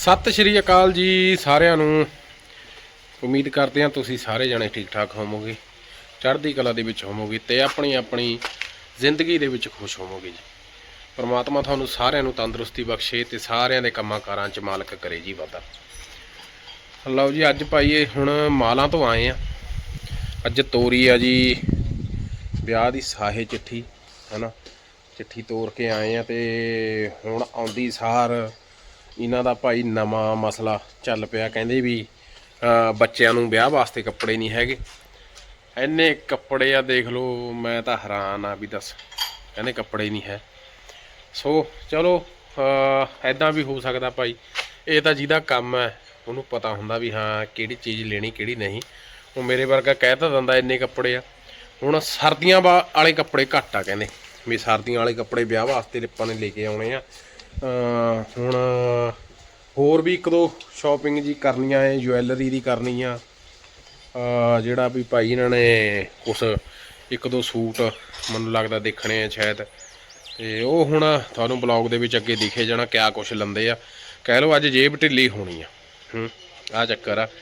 ਸਤਿ ਸ਼੍ਰੀ ਅਕਾਲ ਜੀ ਸਾਰਿਆਂ ਨੂੰ। ਉਮੀਦ ਕਰਦੇ ਹਾਂ ਤੁਸੀਂ ਸਾਰੇ ਜਣੇ ਠੀਕ ਠਾਕ ਹੋਵੋਗੇ, ਚੜ੍ਹਦੀ ਕਲਾ ਦੇ ਵਿੱਚ ਹੋਵੋਗੇ ਤੇ ਆਪਣੀ ਆਪਣੀ ਜ਼ਿੰਦਗੀ ਦੇ ਵਿੱਚ ਖੁਸ਼ ਹੋਵੋਗੇ ਜੀ। ਪਰਮਾਤਮਾ ਤੁਹਾਨੂੰ ਸਾਰਿਆਂ ਨੂੰ ਤੰਦਰੁਸਤੀ ਬਖਸ਼ੇ ਤੇ ਸਾਰਿਆਂ ਦੇ ਕੰਮਾਂ ਕਾਰਾਂ 'ਚ ਮਾਲਕ ਕਰੇ ਜੀ ਵਾਧਾ। ਲਓ ਜੀ, ਅੱਜ ਭਾਈ ਹੁਣ ਮਾਲਾਂ ਤੋਂ ਆਏ ਆ। ਅੱਜ ਤੋਰੀ ਆ ਜੀ ਵਿਆਹ ਦੀ ਸਾਹੇ ਚਿੱਠੀ, ਹੈ ਨਾ। ਚਿੱਠੀ ਤੋਰ ਕੇ ਆਏ ਆ ਤੇ ਹੁਣ ਆਉਂਦੀ ਸਾਰ ਇਹਨਾਂ ਦਾ ਭਾਈ ਨਵਾਂ ਮਸਲਾ ਚੱਲ ਪਿਆ। ਕਹਿੰਦੇ ਵੀ ਬੱਚਿਆਂ ਨੂੰ ਵਿਆਹ ਵਾਸਤੇ ਕੱਪੜੇ ਨਹੀਂ ਹੈਗੇ। ਇੰਨੇ ਕੱਪੜੇ ਆ, ਦੇਖ ਲਓ, ਮੈਂ ਤਾਂ ਹੈਰਾਨ ਆ ਵੀ ਦੱਸ, ਕਹਿੰਦੇ ਕੱਪੜੇ ਨਹੀਂ ਹੈ। ਸੋ ਚਲੋ ਐਦਾਂ ਵੀ ਹੋ ਸਕਦਾ ਭਾਈ, ਇਹ ਤਾਂ ਜਿਹਦਾ ਕੰਮ ਹੈ ਉਹਨੂੰ ਪਤਾ ਹੁੰਦਾ ਵੀ ਹਾਂ ਕਿਹੜੀ ਚੀਜ਼ ਲੈਣੀ ਕਿਹੜੀ ਨਹੀਂ। ਉਹ ਮੇਰੇ ਵਰਗਾ ਕਹਿ ਤਾਂ ਦਿੰਦਾ ਇੰਨੇ ਕੱਪੜੇ ਆ। ਹੁਣ ਸਰਦੀਆਂ ਵਾਲੇ ਕੱਪੜੇ ਘੱਟ ਆ, ਕਹਿੰਦੇ ਵੀ ਸਰਦੀਆਂ ਵਾਲੇ ਕੱਪੜੇ ਵਿਆਹ ਵਾਸਤੇ ਆਪਾਂ ਨੇ ਲੈ ਕੇ ਆਉਣੇ ਆ। ਹੁਣ ਹੋਰ ਵੀ ਇੱਕ ਦੋ ਸ਼ਾਪਿੰਗ ਜੀ ਕਰਨੀਆਂ ਹੈ, ਜੁਐਲਰੀ ਦੀ ਕਰਨੀ ਆ। ਜਿਹੜਾ ਵੀ ਭਾਈ ਇਹਨਾਂ ਨੇ ਕੁਛ ਇੱਕ ਦੋ ਸੂਟ ਮੈਨੂੰ ਲੱਗਦਾ ਦੇਖਣੇ ਆ ਸ਼ਾਇਦ, ਤੇ ਉਹ ਹੁਣ ਤੁਹਾਨੂੰ ਬਲੌਗ ਦੇ ਵਿੱਚ ਅੱਗੇ ਦਿਖੇ ਜਾਣਾ ਕਿਆ ਕੁਛ ਲੰਦੇ ਆ। ਕਹਿ ਲਓ ਅੱਜ ਜੇਬ ਢਿੱਲੀ ਹੋਣੀ ਆ। ਆਹ ਚੱਕਰ ਆ।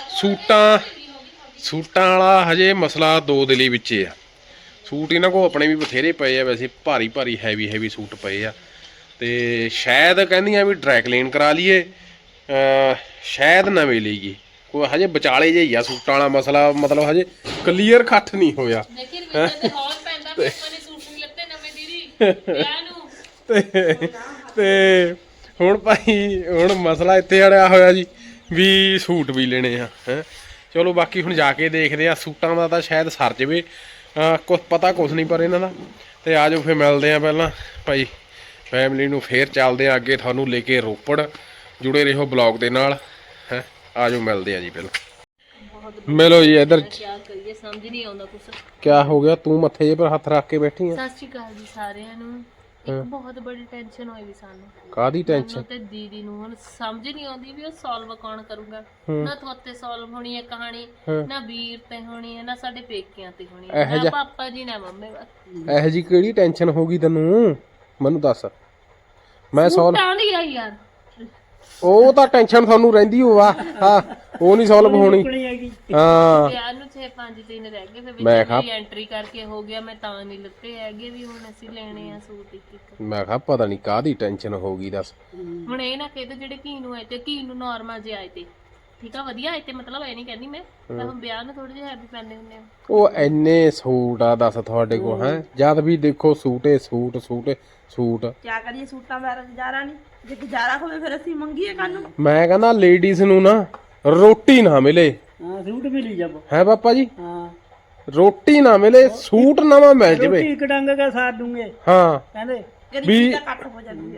ਸੂਟਾਂ ਵਾਲਾ ਹਜੇ ਮਸਲਾ ਦੋ ਦਿਲੀ ਵਿੱਚ ਆ। ਸੂਟ ਇਹਨਾਂ ਕੋਲ ਆਪਣੇ ਵੀ ਬਥੇਰੇ ਪਏ ਆ, ਵੈਸੇ ਭਾਰੀ ਭਾਰੀ ਹੈਵੀ ਸੂਟ ਪਏ ਆ। ਤੇ ਸ਼ਾਇਦ ਕਹਿੰਦੀਆਂ ਵੀ ਡਰਾਈ ਕਲੀਨ ਕਰਾ ਲਈਏ, ਸ਼ਾਇਦ ਨਵੇਂ ਲਈਏ। ਕੋਈ ਹਜੇ ਵਿਚਾਲੇ ਜਿਹੀ ਆ ਸੂਟਾਂ ਵਾਲਾ ਮਸਲਾ, ਮਤਲਬ ਹਜੇ ਕਲੀਅਰ ਕੱਟ ਨਹੀਂ ਹੋਇਆ। ਤੇ ਹੁਣ ਭਾਈ ਹੁਣ ਮਸਲਾ ਇੱਥੇ ਅੜਿਆ ਹੋਇਆ ਜੀ ਵੀ ਸੂਟ ਵੀ ਲੈਣੇ ਆ। ਚਲੋ ਬਾਕੀ ਹੁਣ ਜਾ ਕੇ ਦੇਖਦੇ ਆ। ਸੂਟਾਂ ਦਾ ਤਾਂ ਸ਼ਾਇਦ ਸਰ ਜਾਵੇ, ਕੁਛ ਪਤਾ ਕੁਛ ਨਹੀਂ ਪਰ ਇਹਨਾਂ ਦਾ। ਤੇ ਆ ਜਾਓ ਫਿਰ ਮਿਲਦੇ ਆ ਪਹਿਲਾਂ ਭਾਈ ਫੈਮਿਲੀ ਨੂੰ, ਫੇਰ ਚੱਲਦੇ ਆ ਅੱਗੇ ਤੁਹਾਨੂੰ ਲੈ ਕੇ ਰੋਪੜ। ਜੁੜੇ ਰਹੋ ਬਲੌਗ ਦੇ ਨਾਲ। ਆ ਜਾਓ ਮਿਲਦੇ ਆ ਜੀ ਪਹਿਲਾਂ। ਮਿਲੋ ਜੀ ਇੱਧਰ। ਸਮਝ ਨਹੀਂ ਆਉਂਦਾ ਕੁਛ। ਕਿਆ ਹੋ ਗਿਆ, ਤੂੰ ਮੱਥੇ ਜੇ ਪਰ ਹੱਥ ਰੱਖ ਕੇ ਬੈਠੀ ਆ? ਸਤਿ ਸ਼੍ਰੀ ਅਕਾਲ ਜੀ ਸਾਰਿਆਂ ਨੂੰ। ਇੱਕ ਬਹੁਤ ਬੜੀ ਟੈਨਸ਼ਨ ਹੋਈ ਵੀ ਸਾਨੂੰ। ਕਾਹਦੀ ਟੈਨਸ਼ਨ? ਤੇ ਦੀਦੀ ਨੂੰ ਹੁਣ ਸਮਝ ਨਹੀਂ ਆਉਂਦੀ ਵੀ ਉਹ ਸੋਲਵ ਕੌਣ ਕਰੂਗਾ। ਨਾ ਤੁਹਾਤੇ ਸੋਲਵ ਹੋਣੀ ਹੈ ਕਹਾਣੀ, ਨਾ ਵੀਰ ਤੇ ਹੋਣੀ ਹੈ, ਨਾ ਸਾਡੇ ਪੇਕਿਆਂ ਤੇ ਹੋਣੀ ਹੈ, ਨਾ ਪਾਪਾ ਜੀ ਨਾ ਮੰਮੀ। ਇਹੋ ਜੀ ਕਿਹੜੀ ਟੈਨਸ਼ਨ ਹੋ ਗਈ ਤੈਨੂੰ, ਮੈਨੂੰ ਦੱਸ। ਮੈਂ ਸੋਲਵ ਦੀ ਆ ਯਾਰ। ਉਹ ਤਾਂ ਟੈਨਸ਼ਨ ਤੁਹਾਨੂੰ ਰਹਿੰਦੀ ਹੋ ਆ। ਹਾਂ, ਉਹ ਨਹੀਂ ਸੋਲਵ ਹੋਣੀ। ਹਾਂ, ਯਾਰ ਨੂੰ 6-5 ਦਿਨ ਰਹਿ ਗਏ, ਫਿਰ ਮੈਂ ਕਿਹਾ ਐਂਟਰੀ ਕਰਕੇ ਹੋ ਗਿਆ। ਮੈਂ ਤਾਂ ਨਹੀਂ ਲੱਤੇ ਹੈਗੇ ਵੀ ਹੁਣ ਅਸੀਂ ਲੈਣੇ ਆ ਸੂਟ ਇੱਕ। ਮੈਂ ਕਿਹਾ ਪਤਾ ਨਹੀਂ ਕਾਹਦੀ ਟੈਨਸ਼ਨ ਹੋ ਗਈ ਦੱਸ। ਹੁਣ ਇਹ ਨਾ ਕਹਿੰਦੇ ਜਿਹੜੇ ਘੀ ਨੂੰ ਆਏ ਤੇ ਘੀ ਨੂੰ ਨਾਰਮਲ ਜੇ ਆਏ ਤੇ ਠੀਕ ਆ, ਵਧੀਆ ਆਏ ਤੇ, ਮਤਲਬ ਇਹ ਨਹੀਂ ਕਹਿੰਦੀ ਮੈਂ ਹੁਣ ਵਿਆਹ ਨੂੰ ਥੋੜੇ ਜਿਹੇ ਹੈਵੀ ਪੈਂਦੇ ਹੁੰਦੇ ਆ। ਉਹ ਇੰਨੇ ਸੂਟ ਆ ਦੱਸ ਤੁਹਾਡੇ ਕੋਲ, ਹੈ ਜਦ ਵੀ ਦੇਖੋ ਸੂਟੇ ਸੂਟ ਸੂਟੇ ਸੂਟ। ਕਿਆ ਕਰੀਏ, ਸੂਟਾਂ ਦਾ ਗੁਜ਼ਾਰਾ ਨਹੀਂ। ਜੇ ਗੁਜ਼ਾਰਾ ਹੋਵੇ ਫਿਰ ਅਸੀਂ ਮੰਗੀਏ ਕਾਹਨੂੰ। ਮੈਂ ਕਹਿੰਦਾ ਲੇਡੀਜ਼ ਨੂੰ ਨਾ ਰੋਟੀ ਨਾ ਮਿਲੇ, ਸੂਟ ਮਿਲੀ ਜਾਵੋ। ਹੈ ਪਾਪਾ ਜੀ? ਹਾਂ, ਰੋਟੀ ਨਾ ਮਿਲੇ, ਸੂਟ ਨਵਾਂ ਮਿਲ ਜਵੇ। ਇੱਕ ਡੰਗ ਕੇ ਸਾਥ ਦੂੰਗੇ। ਹਾਂ, ਕਹਿੰਦੇ ਗਰੀਬੀ ਦਾ ਕੱਟ ਹੋ ਜਾਂਦੀ ਹੈ।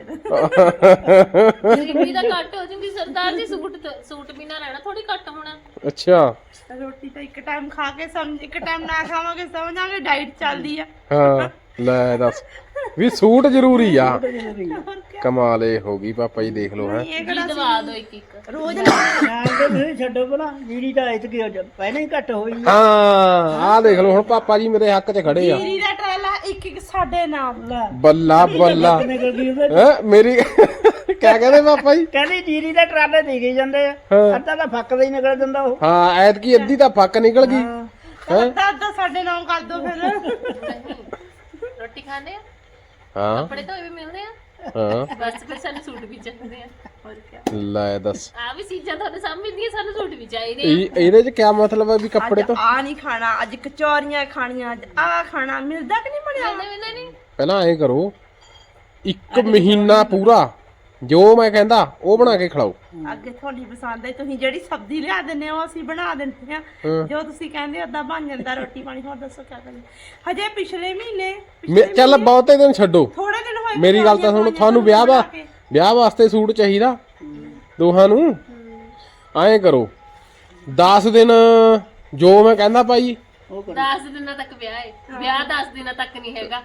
ਗਰੀਬੀ ਦਾ ਕੱਟ ਹੋ ਜੂਗੀ ਸਰਦਾਰ ਜੀ। ਸੂਟ ਵੀ ਨਾ ਲੈਣਾ, ਥੋੜੀ ਕੱਟ ਹੋਣਾ। ਅੱਛਾ, ਰੋਟੀ ਤਾਂ ਇੱਕ ਟਾਈਮ ਖਾ ਕੇ ਸਮਝ, ਇੱਕ ਟਾਈਮ ਨਾ ਖਾਵਾਂਗੇ ਸਮਝਾਂਗੇ ਡਾਈਟ ਚੱਲਦੀ ਆ। ਹਾਂ ਲੈ ਦੱਸ ਵੀ ਸੂਟ ਜ਼ਰੂਰੀ ਆ। ਕਮਾਲ ਇਹ ਹੋ ਗਈ ਪਾਪਾ ਜੀ, ਦੇਖ ਲਓ। ਹੈ ਦਵਾ ਦੋ ਇੱਕ ਰੋਜ਼ ਛੱਡੋ ਭਲਾ, ਜੀਰੀ ਦਾ ਇਤਕੀ ਪਹਿਲਾਂ ਹੀ ਘੱਟ ਹੋਈ। ਹਾਂ, ਆਹ ਦੇਖ ਲਓ ਹੁਣ ਪਾਪਾ ਜੀ ਮੇਰੇ ਹੱਕ 'ਚ ਖੜੇ ਆ। ਜੀਰੀ ਦਾ ਟਰਾਲਾ ਇੱਕ ਸਾਡੇ ਨਾਮ ਲਾ ਬੱਲਾ ਬੱਲਾ। ਮੇਰੀ ਕਿਆ ਕਹਿੰਦੇ ਪਾਪਾ ਜੀ? ਕਹਿੰਦੇ ਜੀਰੀ ਦਾ ਟਰਾਲੇ ਦੇ ਕੇ ਜਾਂਦੇ ਆ, ਅੱਧਾ ਤਾਂ ਫੱਕਦਾ ਹੀ ਨਿਕਲ ਜਾਂਦਾ ਉਹ। ਹਾਂ, ਐਤਕੀ ਅੱਧੀ ਤਾਂ ਫੱਕ ਨਿਕਲ ਗਈ। ਅੱਧਾ ਸਾਡੇ ਨਾਮ ਕਰ ਦੋ ਫਿਰ। ਰੋਟੀ ਖਾਣੇ ਆ, ਹਾਂ ਕੱਪੜੇ ਤਾਂ ਵੀ ਮਿਲਦੇ ਆ। ਹਾਂ, ਬਸ ਫਿਰ ਸਾਨੂੰ ਸੂਟ ਵੀ ਚਾਹੀਦੇ ਆ। ਹੋਰ ਕੀ ਲੈ ਦੱਸ, ਆ ਵੀ ਚੀਜ਼ਾਂ ਤੁਹਾਡੇ ਸਾਹਮਣੇ ਦੀਆਂ, ਸਾਨੂੰ ਸੂਟ ਵੀ ਚਾਹੀਦੇ ਆ। ਇਹਦੇ 'ਚ ਕਿਆ ਮਤਲਬ ਹੈ ਵੀ ਕੱਪੜੇ ਤੋਂ? ਆ ਨਹੀਂ ਖਾਣਾ, ਅੱਜ ਕਚੌਰੀਆਂ ਖਾਣੀਆਂ, ਅੱਜ ਆ ਖਾਣਾ, ਮਿਲਦਾ ਕਿ ਨਹੀਂ ਮਿਲਿਆ? ਨਹੀਂ ਪਹਿਲਾਂ ਐ ਕਰੋ, 1 ਮਹੀਨਾ ਪੂਰਾ ਜੋ ਮੈਂ ਕਹਿੰਦਾ ਉਹ ਬਣਾ ਕੇ ਖਿਲਾਓ। ਅੱਗੇ ਤੁਹਾਡੀ ਪਸੰਦ ਹੈ, ਤੁਸੀਂ ਜਿਹੜੀ ਸਬਜ਼ੀ ਲਿਆ ਦਿੰਦੇ ਹੋ ਅਸੀਂ ਬਣਾ ਦਿੰਦੇ ਆ। ਜੋ ਤੁਸੀਂ ਕਹਿੰਦੇ ਓਦਾਂ ਬਣ ਜਾਂਦਾ ਰੋਟੀ ਪਾਣੀ। ਹੋਰ ਦੱਸੋ ਕਿਆ ਕਰੀਏ। ਹਜੇ ਪਿਛਲੇ ਮਹੀਨੇ ਚੱਲ ਬਹੁਤੇ ਦਿਨ ਛੱਡੋ, ਥੋੜੇ ਦਿਨ ਹੋਏ। ਮੇਰੀ ਗੱਲ ਤਾਂ ਸੁਣੋ, ਤੁਹਾਨੂੰ ਵਿਆਹ ਵਾਸਤੇ ਸੂਟ ਚਾਹੀਦਾ ਦੋਹਾਂ ਨੂੰ। ਐਂ ਕਰੋ 10 ਦਿਨ ਜੋ ਮੈਂ ਕਹਿੰਦਾ ਭਾਈ। 10 ਦਿਨਾਂ ਤੱਕ ਵਿਆਹ ਹੈ। ਵਿਆਹ 10 ਦਿਨਾਂ ਤੱਕ ਨਹੀਂ ਹੈਗਾ।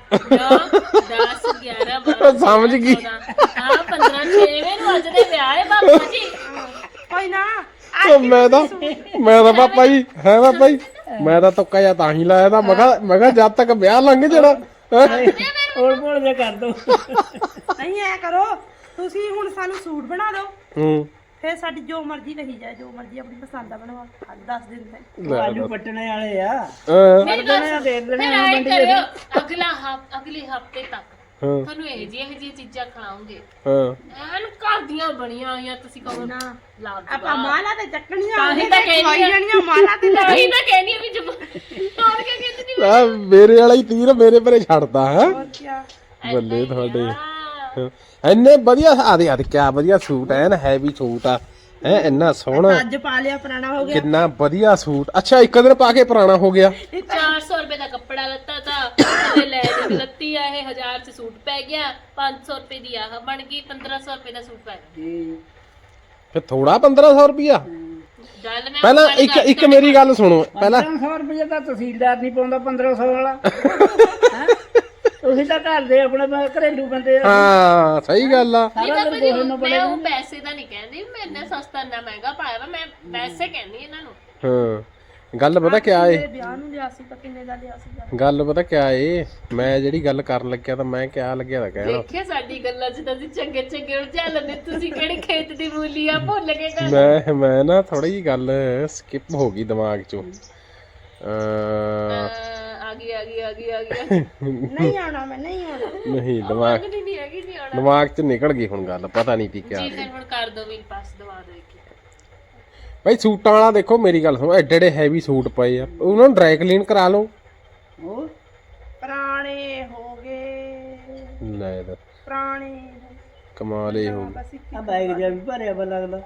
10 11 12 ਸਮਝ ਗਈ। ਹਾਂ 15 6ਵੇਂ ਨੂੰ ਅੱਜ ਦੇ ਵਿਆਹ ਹੈ ਬਾਬਾ ਜੀ। ਕੋਈ ਨਾ, ਮੈਂ ਤਾਂ ਪਾਪਾ ਜੀ ਹੈ ਪਾਪਾ ਜੀ, ਮੈਂ ਤਾਂ ਤੁੱਕਾ ਜਾਂ ਤਾਂ ਹੀ ਲਾਇਆ ਤਾਂ। ਮੈਂ ਕਿਹਾ ਜਦ ਤੱਕ ਵਿਆਹ ਲੰਘ ਜਾਣਾ। ਹੋਰ ਬੋਲ ਜੇ ਕਰ ਦੋ। ਨਹੀਂ ਐ ਕਰੋ, ਤੁਸੀਂ ਹੁਣ ਸਾਨੂੰ ਸੂਟ ਬਣਾ ਦਿਓ। ਫਿਰ ਸਾਡੀ ਜੋ ਮਰਜ਼ੀ ਕਹੀ ਜਾਏ, ਜੋ ਮਰਜ਼ੀ ਆਪਣੀ ਪਸੰਦ ਦਾ ਬਣਵਾ 10 ਦਿਨ ਤੱਕ। ਉਹ ਆਲੂ ਪੱਟਣੇ ਵਾਲੇ ਆ ਮੇਰੀ ਗੱਲ ਸੁਣ, ਫਿਰ ਆਏ ਕਰਿਓ ਅਗਲੇ ਹਫਤੇ ਤੱਕ ਤੁਹਾਨੂੰ ਇਹ ਜਿਹੀਆਂ ਚੀਜ਼ਾਂ ਖਿਲਾਉਂਗੇ ਐਨ ਘਰ ਦੀਆਂ ਬਣੀਆਂ ਹੋਈਆਂ, ਤੁਸੀਂ ਕਹੋ ਨਾ ਆਪਾਂ ਮਾਲਾ ਤੇ ਚੱਕਣੀਆਂ ਤਾਂ ਹੀ ਤਾਂ ਕਹਿੰਦੀ ਜਾਣੀਆਂ ਮਾਲਾ ਤੇ ਤਾਂ ਹੀ ਤਾਂ ਕਹਿੰਦੀ ਵੀ ਹੋਰ ਕੀ ਕਹਿੰਦੀ ਨਹੀਂ ਆ ਮੇਰੇ ਵਾਲਾ ਹੀ ਤੀਰ ਮੇਰੇ ਪਰੇ ਛੱਡਦਾ ਹੈ। ਹੋਰ ਕਿਆ ਬੱਲੇ ਤੁਹਾਡੇ ਇੰਨੇ ਵਧੀਆ ਆ ਦੇ ਕਿਆ ਵਧੀਆ ਸੂਟ ਐਨ ਹੈਵੀ ਸੂਟ ਆ ਹੈ ਇੰਨਾ ਸੋਹਣਾ। ਅੱਜ ਪਾ ਲਿਆ ਪੁਰਾਣਾ ਹੋ ਗਿਆ। ਕਿੰਨਾ ਵਧੀਆ ਸੂਟ। ਅੱਛਾ ਇੱਕ ਦਿਨ ਪਾ ਕੇ ਪੁਰਾਣਾ ਹੋ ਗਿਆ। 400 ਰੁਪਏ ਦਾ ਕੱਪੜਾ ਲੱਤਾ ਤਾਂ ਤੇ ਲੈ ਦੇ ਲੱਤੀ ਆ ਇਹ 1000 ਚ ਸੂਟ ਪੈ ਗਿਆ, 500 ਰੁਪਏ ਦੀ ਆਹ ਬਣ ਗਈ, 1500 ਰੁਪਏ ਦਾ ਸੂਟ ਪੈ ਗਿਆ। ਫਿਰ ਥੋੜਾ 1500 ਰੁਪਿਆ। ਗੱਲ ਮੈਂ ਪਹਿਲਾਂ ਇੱਕ ਮੇਰੀ ਗੱਲ ਸੁਣੋ ਪਹਿਲਾਂ 1500 ਰੁਪਏ ਦਾ ਤਹਿਸੀਲਦਾਰ ਨਹੀਂ ਪਾਉਂਦਾ 1500 ਵਾਲਾ ਤੁਸੀਂ ਤਾਂ ਘਰ ਦੇ ਆਪਣੇ ਘਰੇਲੂ ਬੰਦੇ ਆ। ਹਾਂ ਸਹੀ ਗੱਲ ਆ। ਮੈਂ ਉਹ ਪੈਸੇ ਦਾ ਨਹੀਂ ਕਹਿੰਦੀ, ਮੈਂ ਇੰਨਾ ਸਸਤਾ ਇੰਨਾ ਮਹਿੰਗਾ ਪਾਇਆ ਵਾ, ਮੈਂ ਪੈਸੇ ਕਹਿੰਦੀ ਇਹਨਾਂ ਨੂੰ। ਹਾਂ ਗੱਲ ਪਤਾ ਕਿਆ ਏ, ਵਿਆਹ ਨੂੰ ਲਿਆ ਸੀ ਤਾਂ ਕਿੰਨੇ ਦਾ ਲਿਆ ਸੀ? ਗੱਲ ਪਤਾ ਕਿਆ ਏ, ਮੈਂ ਜਿਹੜੀ ਗੱਲ ਕਰਨ ਲੱਗਿਆ ਤਾਂ ਮੈਂ ਕਿਆ ਲੱਗਿਆ ਤਾਂ ਕਹਿਣਾ। ਦੇਖਿਆ ਸਾਡੀ ਗੱਲਾਂ 'ਚ ਤਾਂ ਅਸੀਂ ਚੰਗੇ ਚੰਗੇ ਉਲਝਾ ਲੈਂਦੇ, ਤੁਸੀਂ ਕਿਹੜੇ ਖੇਤ ਦੀ ਮੂਲੀ ਆ ਭੁੱਲ ਗਏ ਗੱਲ। ਮੈਂ ਨਾ ਥੋੜੀ ਜਿਹੀ ਗੱਲ ਸਕਿਪ ਹੋ ਗਈ ਦਿਮਾਗ ਚੋਂ। ਆ ਗਈ ਨਹੀਂ ਆਉਣਾ, ਮੈਂ ਨਹੀਂ ਆਉਣਾ। ਨਹੀਂ ਦਿਮਾਗ ਨਹੀਂ ਹੈਗੀ ਨਹੀਂ ਆਉਣਾ ਦਿਮਾਗ ਚ ਨਿਕਲ ਗਈ ਹੁਣ ਗੱਲ, ਪਤਾ ਨਹੀਂ ਤੀ ਕਿਆ। ਜੀ। ਫਿਰ ਹੁਣ ਕਰ ਦੋ ਵੀਰ ਪਾਸ ਦਵਾ ਦੋ ਇੱਕ। ਭਾਈ ਸੂਟਾਂ ਵਾਲਾ ਦੇਖੋ ਮੇਰੀ ਗੱਲ ਸੁਣੋ, ਐਡੇ ਐਡੇ ਹੈਵੀ ਸੂਟ ਪਏ ਆ, ਉਹਨਾਂ ਨੂੰ ਡਰਾਈ ਕਲੀਨ ਕਰਾ ਲਓ। ਉਹ ਪੁਰਾਣੇ ਹੋ ਗਏ, ਲੈ ਦੱਸ ਪੁਰਾਣੇ ਕਮਾਲ ਹੀ ਹੋ ਗਈ। ਬਸ ਇੱਕ ਆ ਬੈਗ ਜਿਹਾ ਵੀ ਭਰਿਆ ਵਾ ਲੱਗਦਾ।